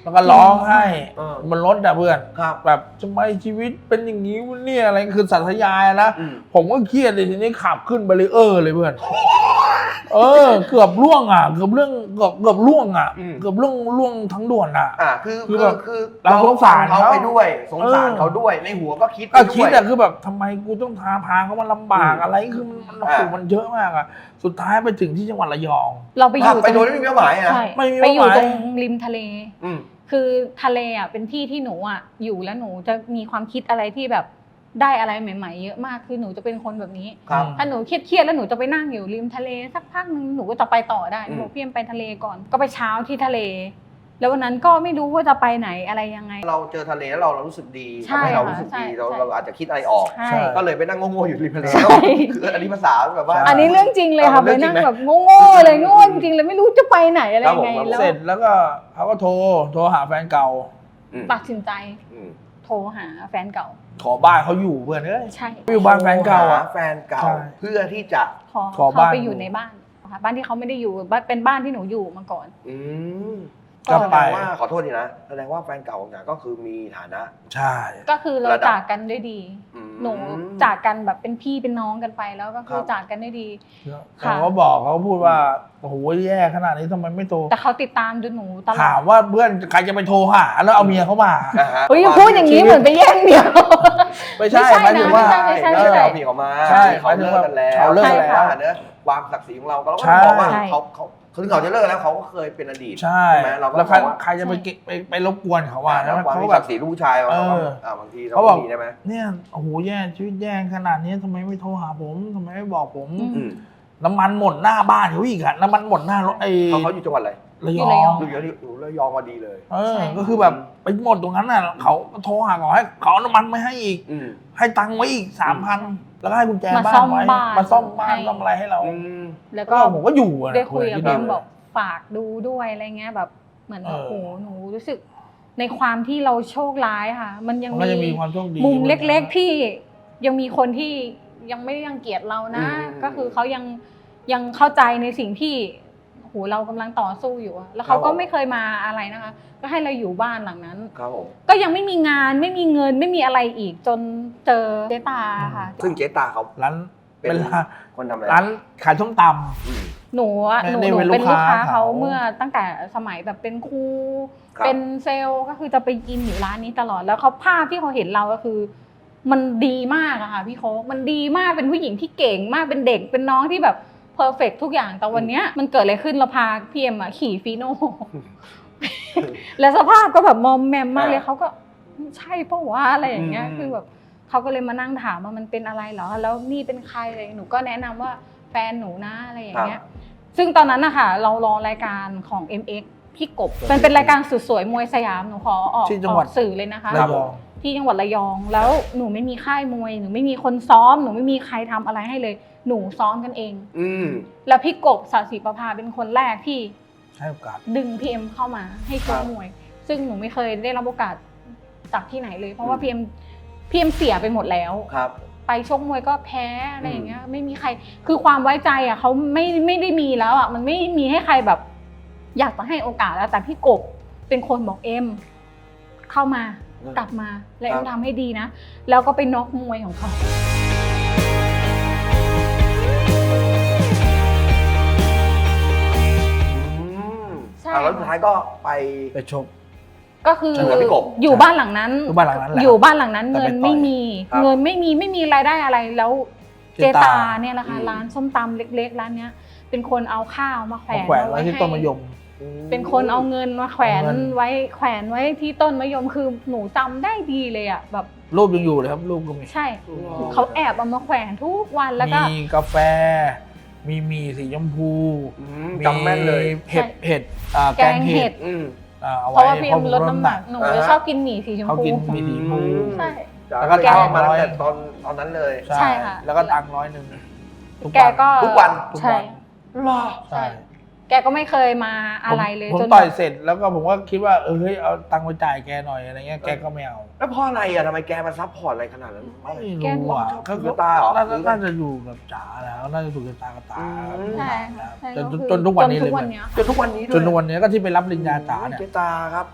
[SPEAKER 2] แล้วก็ร้องไห้
[SPEAKER 3] เออ
[SPEAKER 2] บนรถอะเพื่อน
[SPEAKER 3] ครับ
[SPEAKER 2] แบบทำไมชีวิตเป็นอย่างนี้วะเนี่ยอะไรคือสัตยายอะนะ
[SPEAKER 3] อืม
[SPEAKER 2] ผมก็เครียดเลยทีนี้ขับขึ้นบารีเออร์เลยเพื่อน เออ เกือบล่วงอ่ะเกือบเรื่องเกือบเกือบล่วงอ่ะ
[SPEAKER 3] อืม
[SPEAKER 2] เกือบล่วงล่วงทั้งด่วนอ่ะ
[SPEAKER 3] อ่าคือ
[SPEAKER 2] คื
[SPEAKER 3] คือ อ
[SPEAKER 2] แบบ
[SPEAKER 3] คือ
[SPEAKER 2] เราสงสาร
[SPEAKER 3] เขา
[SPEAKER 2] เขา
[SPEAKER 3] ไปด้วยสงสาร
[SPEAKER 2] เออ
[SPEAKER 3] เขาด้วยในหัวก็คิด
[SPEAKER 2] ก็
[SPEAKER 3] ไป
[SPEAKER 2] คิด
[SPEAKER 3] วย
[SPEAKER 2] อะคือแบบทำไมกูต้องพาพาเขามาลำบาก
[SPEAKER 3] อืม
[SPEAKER 2] อะไรคือมันมันโอ้โห
[SPEAKER 3] อ่ามั
[SPEAKER 2] มันเยอะมากอะสุดท้ายไปถึงที่จังหวัดระยอง
[SPEAKER 1] เราไปอ
[SPEAKER 3] ขับ
[SPEAKER 1] ยู่
[SPEAKER 3] ไปโด
[SPEAKER 1] ต
[SPEAKER 3] ย
[SPEAKER 1] รง
[SPEAKER 3] ไม่มีเป้าหมายอะนะ
[SPEAKER 1] ใช่
[SPEAKER 2] ไม่มี
[SPEAKER 1] ไปอยู่
[SPEAKER 2] เป้าหมาย
[SPEAKER 1] ตรงริมทะเล
[SPEAKER 3] อืม
[SPEAKER 1] คือทะเลอ่ะเป็นที่ที่หนูอ่ะอยู่แล้วหนูจะมีความคิดอะไรที่แบบได้อะไรใหม่ๆเยอะมากคือหนูจะเป็นคนแบบนี้
[SPEAKER 3] ครับ
[SPEAKER 1] ถ้าหนูเครียดๆแล้วหนูจะไปนั่งอยู่ริมทะเลสักพักนึงหนูก็จะไปต่อได้
[SPEAKER 3] อืม
[SPEAKER 1] บอกพี่เอ็มไปทะเลก่อนก็ไปเช้าที่ทะเล แล้ววันนั้นก็ไม่รู้ว่าจะไปไหนอะไรยังไง
[SPEAKER 3] เราเจอทะเลแล้วเราเรารู้สึกดี
[SPEAKER 1] ใช่
[SPEAKER 3] ทำให้เรา
[SPEAKER 1] ค่ะ
[SPEAKER 3] รู้สึก
[SPEAKER 1] ใช่
[SPEAKER 3] ดีเรา
[SPEAKER 1] ใช่
[SPEAKER 3] เราอาจจะคิดอะไรออก
[SPEAKER 1] ใช่
[SPEAKER 2] ใช่
[SPEAKER 3] ก็เลยไปนั่งโง่ๆอยู่ริมทะเล
[SPEAKER 1] ใช่
[SPEAKER 3] คืออันนี้ภาษาแบบว่า
[SPEAKER 1] อันนี้เรื่องจริงเลยค่ะ
[SPEAKER 3] เอา
[SPEAKER 1] ไป
[SPEAKER 3] เรื่องจริ
[SPEAKER 1] นั่
[SPEAKER 3] ง
[SPEAKER 1] ง
[SPEAKER 3] ไหม
[SPEAKER 1] แบบโง่ๆเลยโง่จริงๆเลยไม่รู้จะไปไหนอะไรยังไง
[SPEAKER 3] ครับผม
[SPEAKER 1] แล้ว
[SPEAKER 2] เสร็จแล้วก็เขาก็โทรโทรหาแฟนเก่า
[SPEAKER 3] อืม
[SPEAKER 1] ตัดสินใจ
[SPEAKER 3] อืม
[SPEAKER 1] โทรหาแฟนเก่า
[SPEAKER 2] ขอบ้านเขาอยู่เพื่อนเอ้ย
[SPEAKER 1] ใช่
[SPEAKER 2] อยู่บ้านแฟนเก่าอะ
[SPEAKER 3] หแฟนเก่า
[SPEAKER 2] ใช่
[SPEAKER 3] เพื่อที่จะ
[SPEAKER 1] ขอ
[SPEAKER 2] ขอ
[SPEAKER 1] เขา
[SPEAKER 2] บ้าน
[SPEAKER 1] ไปอยู่ในบ้านค่ะบ้านที่เขาไม่ได้อยู่บ้านเป็นบ้านที่หนูอยู่มาก่อน
[SPEAKER 3] อืม
[SPEAKER 2] ก็
[SPEAKER 3] แส
[SPEAKER 2] ไป
[SPEAKER 3] ดงว่าขอโทษทีนะแสดงว่าแฟนเก่าของจ๋าก็คือมีฐานะ
[SPEAKER 2] ใช่
[SPEAKER 1] ก็คือเรา
[SPEAKER 3] ระดับ
[SPEAKER 1] จากกันด้วยดี
[SPEAKER 3] อืม
[SPEAKER 1] หนูจากกันแบบเป็นพี่เป็นน้องกันไปแล้วก็คือ
[SPEAKER 3] ครับ
[SPEAKER 1] จากกันได้ดี
[SPEAKER 2] เขาก็บอกเขาพูดว่าโอ้โหแย่ขนาดนี้ทำไมไม่โทร
[SPEAKER 1] แต่เขาติดตามดูหนูตลอ
[SPEAKER 2] ถาม
[SPEAKER 1] ด
[SPEAKER 2] ว่าเพื่อนใครจะไปโทรหาแล้วเอาเมียเขามา
[SPEAKER 3] อ่าฮะ
[SPEAKER 1] เฮ้ยอย่าพูดอย่างนี้เหมือนไปแย่งเดียว
[SPEAKER 2] ไม่ใช่
[SPEAKER 1] ไม่ใช่
[SPEAKER 2] หมายถึงว่า
[SPEAKER 1] นะ ไม่ใช่
[SPEAKER 3] แล้วเราพี่เขามา
[SPEAKER 2] ใช่
[SPEAKER 3] เขาเลิกกันแล้ว
[SPEAKER 2] เขาเลิกกันแล้ว
[SPEAKER 3] ใช่ค่ะเนอะความศักดิ์ศรีของเราก็เราก็
[SPEAKER 2] ใช่
[SPEAKER 3] ต้องบอกว่า
[SPEAKER 1] ใช่
[SPEAKER 3] เขาเขาถึงเขาจะเลิกแล้วเขาก็เคยเป็นอดีต
[SPEAKER 2] ใช่
[SPEAKER 3] ไหมเราก็
[SPEAKER 2] แล้ว
[SPEAKER 3] บ
[SPEAKER 2] ใคร
[SPEAKER 3] อกว่า
[SPEAKER 2] ใครจะไปเก็บไปไปรบกวนเขาว่า
[SPEAKER 3] แล้
[SPEAKER 2] แล้ว ว
[SPEAKER 3] ความ
[SPEAKER 2] เขา
[SPEAKER 3] มี
[SPEAKER 2] แบ
[SPEAKER 3] ศั
[SPEAKER 2] บ
[SPEAKER 3] กดิ์ศรีลูกผู้ชายเราก็
[SPEAKER 2] เออ
[SPEAKER 3] อ่าบางทีเรา
[SPEAKER 2] เขาบ
[SPEAKER 3] ก็
[SPEAKER 2] อก
[SPEAKER 3] มีได้ไหม
[SPEAKER 2] เนี่ยโอ้โหแย่ชีวิตแย่ขนาดนี้ทำไมไม่โทรหาผมทำไมไม่บอกผม
[SPEAKER 1] อืม
[SPEAKER 3] อืม
[SPEAKER 2] น้ำมันหมดหน้าบ้านเขาอีกอะน้ำมันหมดหน้ารถไอ้
[SPEAKER 3] เขาเขาอยู่จังหวัดอะไร
[SPEAKER 2] ระย
[SPEAKER 1] อยู่
[SPEAKER 2] อ
[SPEAKER 1] ระยอง ง
[SPEAKER 3] ดูอยู่ที่อยู่ระยองมาดีเลย
[SPEAKER 2] เออ
[SPEAKER 1] ใช่
[SPEAKER 2] ก็คือแบบไปหมดตรงนั้นน่ะเขาโทรหาเขาให้เขาเอาน้ำมันไม่ให้อีก
[SPEAKER 3] อืม
[SPEAKER 2] ให้ตังค์ไว้อีกสามพันแล้วก็ให้กุญแจ
[SPEAKER 1] มา
[SPEAKER 2] บ้า
[SPEAKER 1] ซ่อน ม
[SPEAKER 2] ไว้
[SPEAKER 1] บ้าน
[SPEAKER 2] มาซ่อมบ้าน
[SPEAKER 1] ให้
[SPEAKER 2] ซ่อมอะไรให้เรา
[SPEAKER 3] อืม
[SPEAKER 1] แล้ว
[SPEAKER 2] ก็
[SPEAKER 1] ก็
[SPEAKER 2] ผมก็อยู่อะ
[SPEAKER 1] ได้คุยกับ
[SPEAKER 2] ที่
[SPEAKER 1] เพื่
[SPEAKER 2] นั่
[SPEAKER 1] อน
[SPEAKER 2] น
[SPEAKER 1] บอกฝากดูด้วยอะไรเงี้ยแบบเหมือนแบบ
[SPEAKER 2] เออ
[SPEAKER 1] โอ้โหหนูรู้สึกในความที่เราโชคร้ายค่ะ มันยัง
[SPEAKER 2] มันก็จะมีความโชคดี
[SPEAKER 1] มุมเล็กๆที่ยังมีคนที่ยังไม่ได้รังเกียจเรานะ
[SPEAKER 3] อืม
[SPEAKER 1] ก็คือเขายังยังเข้าใจในสิ่งที่โอ้โหเรากำลังต่อสู้อยู่อะแล้วเขาก็ไม่เคยมาอะไรนะคะ ก็ให้เราอยู่บ้านหลังนั้น
[SPEAKER 3] ครับผม
[SPEAKER 1] ก็ยังไม่มีงานไม่มีเงินไม่มีอะไรอีกจนเจอเจตาค่ะ
[SPEAKER 3] ซึ่งเจ๊ตาเขา
[SPEAKER 2] ร้าน
[SPEAKER 3] เป็น
[SPEAKER 2] เป็นร้าน
[SPEAKER 3] คนทำอะไร
[SPEAKER 2] ร้านขายส้มต
[SPEAKER 3] อืม
[SPEAKER 1] หนูอะ
[SPEAKER 2] ไม่
[SPEAKER 1] หนู
[SPEAKER 2] ได้
[SPEAKER 1] หนู
[SPEAKER 2] เป็น
[SPEAKER 1] เป็น
[SPEAKER 2] ลู
[SPEAKER 1] ลู
[SPEAKER 2] ก
[SPEAKER 1] ก
[SPEAKER 2] ค้า
[SPEAKER 1] ค้าเขา
[SPEAKER 2] เขา
[SPEAKER 1] เมื่อตั้งแต่สมัยแบบเป็นครู
[SPEAKER 3] ครับ
[SPEAKER 1] เป็นเซลล์ก็คือจะไปกินอยู่ร้านนี้ตลอดแล้วเขาภาพที่เขาเห็นเราก็คือ มันดีมากอะค่ะพี่โค้กมันดีมากเป็นผู้หญิงที่เก่งมากเป็นเด็กเป็นน้องที่แบบเพอร์เฟกทุกอย่างแต่วันเนี้ยมันเกิดอะไรขึ้นเราพาพี่เอ็มอะขี่ฟีโน่ แล้วสภาพก็แบบมอมแมมมากเลย
[SPEAKER 3] อ่า
[SPEAKER 1] เขาก็ใช่ปะวะอะไรอย่างเงี้ย
[SPEAKER 3] อืม
[SPEAKER 1] คือแบบเขาก็เลยมานั่งถามว่ามันเป็นอะไรเหรอแล้วนี่เป็นใครอะไรหนูก็แนะนำว่าแฟนหนูนะอะไรอย่างเงี้ย ซึ่งตอนนั้นนะคะเรารอรายการของ เอ็ม เอ็กซ์ พี่กบมันเป็นรายการสุดสวยมวยสยามหนูขอออก
[SPEAKER 2] ที่จังหวัด
[SPEAKER 1] ออกสื่อเลยนะคะ
[SPEAKER 2] ระยอง
[SPEAKER 1] ที่จังหวัดระยอง แล้วหนูไม่มีค่ายมวยหนูไม่มีคนซ้อมหนูไม่มีใครทำอะไรให้เลย หนูซ้อมกันเอง
[SPEAKER 3] อืม
[SPEAKER 1] แล้วพี่กบศศิประภาเป็นคนแรกที่
[SPEAKER 2] ให้โอกาส
[SPEAKER 1] ดึงพีเอ็มเข้ามาให้ชกมวย ซึ่งหนูไม่เคยได้รับโอกาสจากที่ไหนเลย เพราะว่าพีเอ็มพีเอ็มเสียไปหมดแล้ว
[SPEAKER 3] ครับ
[SPEAKER 1] ไปชกมวยก็แพ้อะไรอย่างเงี้ยไม่มีใครคือความไว้ใจอ่ะเขาไม่ไม่ได้มีแล้วอ่ะมันไม่มีให้ใครแบบ อยากจะให้โอกาสแล้วแต่พี่กบเป็นคนบอกเอ็มเข้ามากลับมาแล้วเอ็มทำให้ดีนะแล้วก็ไปน็อกมวยของเขา
[SPEAKER 3] อืม
[SPEAKER 1] ใช่
[SPEAKER 3] อ่ะแล้วสุดท้ายก็ไป
[SPEAKER 2] ไปชก
[SPEAKER 1] ก็คือ
[SPEAKER 3] เจอกับพี่กบ
[SPEAKER 1] อยู่บ้านหลังนั้น
[SPEAKER 2] อยู่บ้านหลังนั้นแหละ
[SPEAKER 1] อยู่บ้านหลังนั้น
[SPEAKER 2] แต่
[SPEAKER 1] เงิ
[SPEAKER 2] ไป
[SPEAKER 1] น
[SPEAKER 2] ต่อย
[SPEAKER 1] ไม่มี
[SPEAKER 3] ครับ
[SPEAKER 1] เงินไม่มีไม่มีรายได้อะไรแล้วเจ
[SPEAKER 2] เจตา
[SPEAKER 1] ตาเนี่ยแหละค่ะ
[SPEAKER 3] อืม
[SPEAKER 1] ร้านส้มตำเล็กๆร้านเนี้ย เป็นคนเอาข้าวมาแขว
[SPEAKER 2] เอา
[SPEAKER 1] น
[SPEAKER 2] แขวนไว้ที่
[SPEAKER 1] ให้
[SPEAKER 2] ต้นมะยม
[SPEAKER 1] เป็นคนเอาเงินมาแขวน
[SPEAKER 2] เอาเงิน
[SPEAKER 1] ไว้แขวนไว้ที่ต้นมะยมคือหนูจำได้ดีเลยอ่ะแบบ
[SPEAKER 2] รูปยังอยู่เลยครับรูปก็มี
[SPEAKER 1] ใช่
[SPEAKER 3] อ๋อ
[SPEAKER 1] เขาแอบเอามาแขวนทุกวันแล้วก็
[SPEAKER 2] มีกาแฟ มีหมี่สีชมพู
[SPEAKER 3] อืมจำแม่นเลย
[SPEAKER 2] เห็ดเห็ดอ่า
[SPEAKER 1] แก
[SPEAKER 2] แก
[SPEAKER 1] ง
[SPEAKER 2] ง
[SPEAKER 1] เห็
[SPEAKER 2] เห็
[SPEAKER 1] ด
[SPEAKER 2] ด
[SPEAKER 3] อืม
[SPEAKER 2] อ่าเอา
[SPEAKER 1] เพ
[SPEAKER 2] ไว้
[SPEAKER 1] ราะว่าพี่เอ็มลดน้ำหนักหนู
[SPEAKER 3] อ่าฮะ
[SPEAKER 1] จะชอบกินหมี่สีชม
[SPEAKER 2] เขา
[SPEAKER 1] พู
[SPEAKER 2] กินหมี่สีชมพู
[SPEAKER 1] ใช่
[SPEAKER 3] แล้วก็
[SPEAKER 1] แก
[SPEAKER 3] ชอบมาตั้งแต่ตอนตอนนั้นเลย
[SPEAKER 1] ใช่ค่ะ
[SPEAKER 2] แล้วก็ตังค์ร้อยหนึ่งทุก
[SPEAKER 1] แก
[SPEAKER 2] วัน
[SPEAKER 1] ก็
[SPEAKER 3] ทุกวัน
[SPEAKER 2] ทุก
[SPEAKER 1] ใช่
[SPEAKER 2] วัน
[SPEAKER 3] หรอ
[SPEAKER 2] ใช่
[SPEAKER 1] แกก็ไม่เคยมาอะไรเลย
[SPEAKER 2] ผม
[SPEAKER 1] จ
[SPEAKER 2] ผม
[SPEAKER 1] น
[SPEAKER 2] ต่อยเสร็จแล้วก็ผมก็คิดว่าเออเฮ้ยเอาตังค์ไปจ่ายแกหน่อยอะไรเงี้ยแกก็ไม่เอา
[SPEAKER 3] แล้วเพราะอะไรอ่ะทำไมแกมาซัพพอร์ตอะไรขนาดนั้น
[SPEAKER 2] ไม่รู้อ่ะ
[SPEAKER 3] แกถูกชะตาเหรอ
[SPEAKER 2] น่าน่าจะอยู่กับจ๋าแล้วน่าจะถูกชะตากับตา
[SPEAKER 3] อืม
[SPEAKER 1] ใช่ค่ะใช่
[SPEAKER 2] จน
[SPEAKER 1] ก็คือ
[SPEAKER 2] จนทุกวันนี้
[SPEAKER 1] จ
[SPEAKER 2] เลย
[SPEAKER 1] ทุกวันเนี้ย
[SPEAKER 3] จนทุกวันนี้ด้วย
[SPEAKER 2] จนทุกวันนี้ก็ที่ไปรับปริญญาจ๋าเนี่ย
[SPEAKER 3] เจตาครับ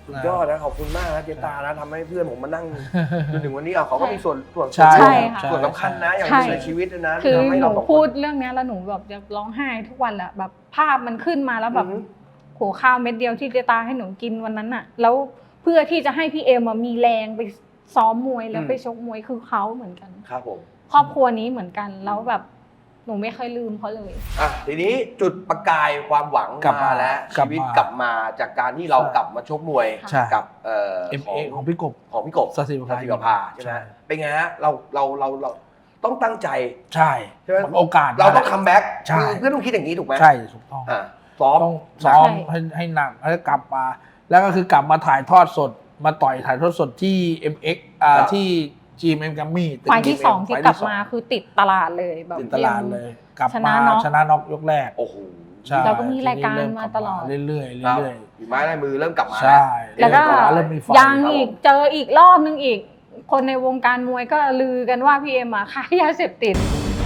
[SPEAKER 3] ยอดนะขอบคุณมากนะเจตานะทำให้เพื่อนผมมานั่งจนถึงวันนี้อ่ะเขาก็มีส่วนส่วน
[SPEAKER 2] ใช่
[SPEAKER 1] ใช่ค่ะ
[SPEAKER 3] ส่วนสำคัญนะอย่าง
[SPEAKER 1] ใช่
[SPEAKER 3] ในชีวิตนะ
[SPEAKER 1] คือ
[SPEAKER 3] ทำให้
[SPEAKER 1] หนู
[SPEAKER 3] เราสองคน
[SPEAKER 1] พูดเรื่องเนี้ยแล้วหนูแบบจะร้องไห้ทุกวันแหละแบบภาพมันขึ้นมาแล้วแบบ
[SPEAKER 3] อือฮึ
[SPEAKER 1] โหข้าวเม็ดเดียวที่เจตาให้หนูกินวันนั้นน่ะ แล้วเพื่อที่จะให้พี่เอ็มอะมีแรงไปซ้อมมวยแล้วไปชกมวยคือเขาเหมือนกัน
[SPEAKER 3] ครับผม
[SPEAKER 1] ครอบครัวนี้เหมือนกันแล้วแบบหนูไม่เคยลืมเขาเลย
[SPEAKER 3] อ่ะทีนี้จุดประกายความหวัง
[SPEAKER 2] กลับ
[SPEAKER 3] มา
[SPEAKER 2] มา
[SPEAKER 3] แล้ว
[SPEAKER 2] กลั
[SPEAKER 3] ชี
[SPEAKER 2] บ
[SPEAKER 3] วิต
[SPEAKER 2] มาก
[SPEAKER 3] ลับมาจากการที่เรา
[SPEAKER 2] ใช่
[SPEAKER 3] กลับมาชกมวย
[SPEAKER 2] ใช่
[SPEAKER 3] กับเอ่อ
[SPEAKER 2] เอ็ม
[SPEAKER 3] ขอ
[SPEAKER 2] เอง ของพี่กบ
[SPEAKER 3] ของพี่กบ
[SPEAKER 2] สศิวภา
[SPEAKER 3] สศิวภาใช่ไหม
[SPEAKER 2] ใช่
[SPEAKER 3] เป็นไงฮะเราเราเราเราต้องตั้งใจ
[SPEAKER 2] ใช่
[SPEAKER 3] ใช่ไหม
[SPEAKER 2] โอกาส
[SPEAKER 3] เราต้องคัมแบ็ก
[SPEAKER 2] ใช่
[SPEAKER 3] เพื่อนต้องคิดอย่างนี้ถูกไหม
[SPEAKER 2] ใช่ถูกต้อง
[SPEAKER 3] อ่ะซ้อม
[SPEAKER 2] ต้องซ้อม
[SPEAKER 1] ใช่
[SPEAKER 2] ให้ให้หนักแล้วกลับมา แล้วก็คือกลับมาถ่ายทอดสดมาต่อยถ่ายทอดสดที่ เอ็ม เอ็กซ์ อ่า
[SPEAKER 3] ครับ
[SPEAKER 2] ที่ จี เอ็ม เอ็ม Grammy
[SPEAKER 1] ไฟล์ที่สองที่กลับมาคือติดตลาดเลยแบบ
[SPEAKER 2] ติดตลาดเลย กลับ
[SPEAKER 1] ช
[SPEAKER 2] มา
[SPEAKER 1] นะน็อก
[SPEAKER 2] ชนะน็อกยกแรก
[SPEAKER 3] โอ้โห
[SPEAKER 2] ใช่
[SPEAKER 1] เราก็มีรายการ
[SPEAKER 2] ทีนี้เ
[SPEAKER 1] มาตลอด
[SPEAKER 2] เรื่อยๆ
[SPEAKER 3] ครับ
[SPEAKER 2] เรื่อย
[SPEAKER 3] ฝีไม้ลายมือเริ่มกลับมา
[SPEAKER 2] ๆใช่
[SPEAKER 1] แล้วก็
[SPEAKER 2] เริ่มมีไฟ
[SPEAKER 1] ยังอีกเจออีกรอบนึงอีก คนในวงการมวยก็ลือกันว่าพี่เอ็มอะค้ายาเสพติด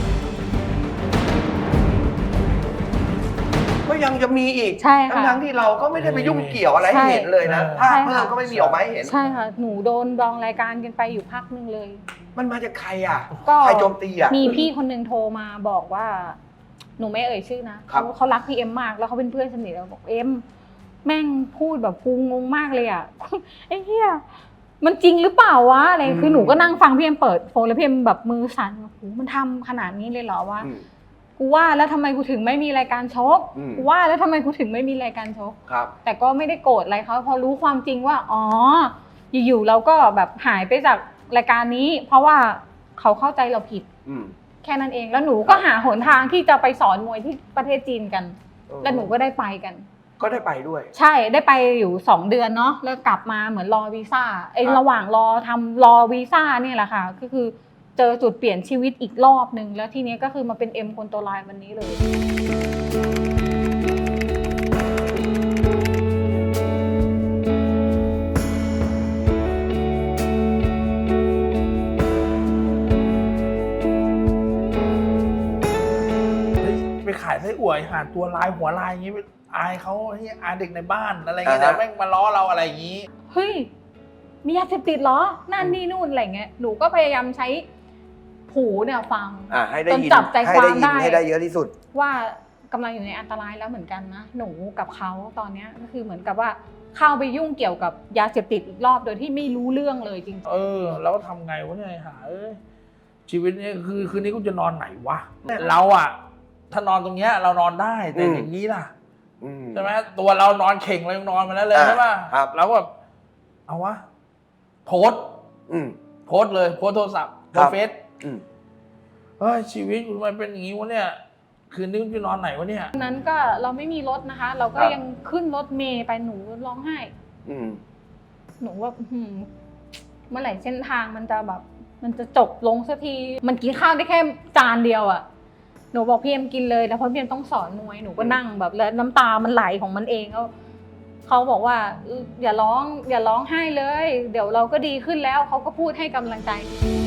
[SPEAKER 3] ก็ยังจะมีอีก
[SPEAKER 1] ใช่ค่ะ
[SPEAKER 3] ทั้งๆที่เราก็ไม่ได้ไปยุ่งเกี่ยวอะไรให้เห็นเลยนะ
[SPEAKER 2] ใช่
[SPEAKER 3] ภาพเพิ่มก็ไม่มีออกมาให้เห็น
[SPEAKER 1] ใช่ค่ะ หนูโดนดองรายการกันไปอยู่พักนึงเลย
[SPEAKER 3] มันมาจากใครอ่ะ
[SPEAKER 1] ก็
[SPEAKER 3] ใครโจมตีอ่ะ
[SPEAKER 1] มีพี่คนหนึ่งโทรมาบอกว่า หนูไม่เอ่ยชื่อนะครับ เขาเขารักพี่เอ็มมากแล้วเขาเป็นเพื่อนสนิทเราบอกเอ็มแม่งพูดแบบกูงงมากเลยอ่ะ ไอ้เหี้ยมันจริงหรือเปล่าวะอะไรคือหนูก็นั่งฟังพี่เอ็มเปิดโฟนแล้วพี่เอ็มแบบมือสั่นโอ้โหมันทำขนาดนี้เลยเหรอวะ
[SPEAKER 3] อืม
[SPEAKER 1] กูว่าแล้วทำไมกูถึงไม่มีรายการชก
[SPEAKER 3] อืม
[SPEAKER 1] กูว่าแล้วทำไมกูถึงไม่มีรายการชก
[SPEAKER 3] ครับ
[SPEAKER 1] แต่ก็ไม่ได้โกรธอะไรเขาพอรู้ความจริงว่าอ๋ออยู่ๆเราก็แบบหายไปจากรายการนี้ เพราะว่าเขาเข้าใจเราผิด
[SPEAKER 3] อืม
[SPEAKER 1] แค่นั้นเองแล้วหนูก็หาหนทางที่จะไปสอนมวยที่ประเทศจีนกัน แล้วหนูก็ได้ไปกัน
[SPEAKER 3] ก็ได้ไปด้วย
[SPEAKER 1] ใช่ได้ไปอยู่สองเดือนเนาะแล้วกลับมาเหมือนรอวีซ่าไอ้
[SPEAKER 3] ครับ
[SPEAKER 1] ระหว่างรอทำรอวีซ่าเนี่ยแหละค่ะก็คือเจอจุดเปลี่ยนชีวิตอีกรอบหนึ่งแล้วทีนี้ก็คือมาเป็นเอ็มคนตัวลายวันนี้เลย
[SPEAKER 2] เฮ้ยไปขายไส้อั่วหาตัวลายหัวลายอย่างงี้ไปอายเขาให้อายเด็กในบ้านอะไรเงี้ย
[SPEAKER 3] อ่าฮะ
[SPEAKER 2] แต่แม่งมาล้อเราอะไรอย่างงี้
[SPEAKER 1] เฮ้ยมียาเสพติดเหรอนั่นนี่นู่นอะไรเงี้ยหนูก็พยายามใช้หูเนี่ยฟัง
[SPEAKER 3] อ่าให้ได้ยิน
[SPEAKER 1] จนจับใจ
[SPEAKER 3] ให้
[SPEAKER 1] ความ
[SPEAKER 3] ได้ยิน
[SPEAKER 1] ได้
[SPEAKER 3] ให้ได้เยอะที่สุด
[SPEAKER 1] ว่ากำลังอยู่ในอันตรายแล้วเหมือนกันนะหนูกับเขาตอนเนี้ยก็คือเหมือนกับว่าเข้าไปยุ่งเกี่ยวกับยาเสพติดอีกรอบโดยที่ไม่รู้เรื่องเลยจริง
[SPEAKER 2] เออแล้วทำไงวะเนี่ยหาเอ้ยชีวิตนี้คือคืนนี้กูจะนอนไหนวะเราอะถ้านอนตรงเนี้ยเรานอนได้แต่
[SPEAKER 3] อืม
[SPEAKER 2] อย่างนี้ล่ะ
[SPEAKER 3] อืม
[SPEAKER 2] ใช่ไหมตัวเรานอนเข่งเรายังนอนมาแล้วเลย
[SPEAKER 3] อ่า
[SPEAKER 2] ใช่ป่ะ
[SPEAKER 3] ครับ
[SPEAKER 2] เราก็แบบเอาวะโพสต์
[SPEAKER 3] อืม
[SPEAKER 2] โพสต์เลยโพสต์โทรศัพท์โพ
[SPEAKER 3] ครั
[SPEAKER 2] ส
[SPEAKER 3] บ
[SPEAKER 2] ต์เฟซ
[SPEAKER 3] อืม
[SPEAKER 2] เฮ้ยชีวิตกูทำไมเป็นอย่างนี้วะเนี่ยคืนนี้กูจะนอนไหนวะเนี่ย
[SPEAKER 1] ๆนั้นก็เราไม่มีรถนะคะ เราก็
[SPEAKER 3] ครับ
[SPEAKER 1] ยังขึ้นรถเมย์ไปหนูร้องไห้
[SPEAKER 3] อืม
[SPEAKER 1] หนูว่าอื้อหือเมื่อไหร่เส้นทางมันจะแบบ มันจะจบลงสักทีมันกินข้าวได้แค่จานเดียวอะหนูบอกพี่เอ็มกินเลยแล้วเพราะพี่เอ็มต้องสอนมวยหนูก็นั่งแบบแล้วน้ำตามันไหลของมันเองแล้วเขาบอกว่าอย่าร้องอย่าร้องไห้เลย เดี๋ยวเราก็ดีขึ้นแล้วเขาก็พูดให้กำลังใจ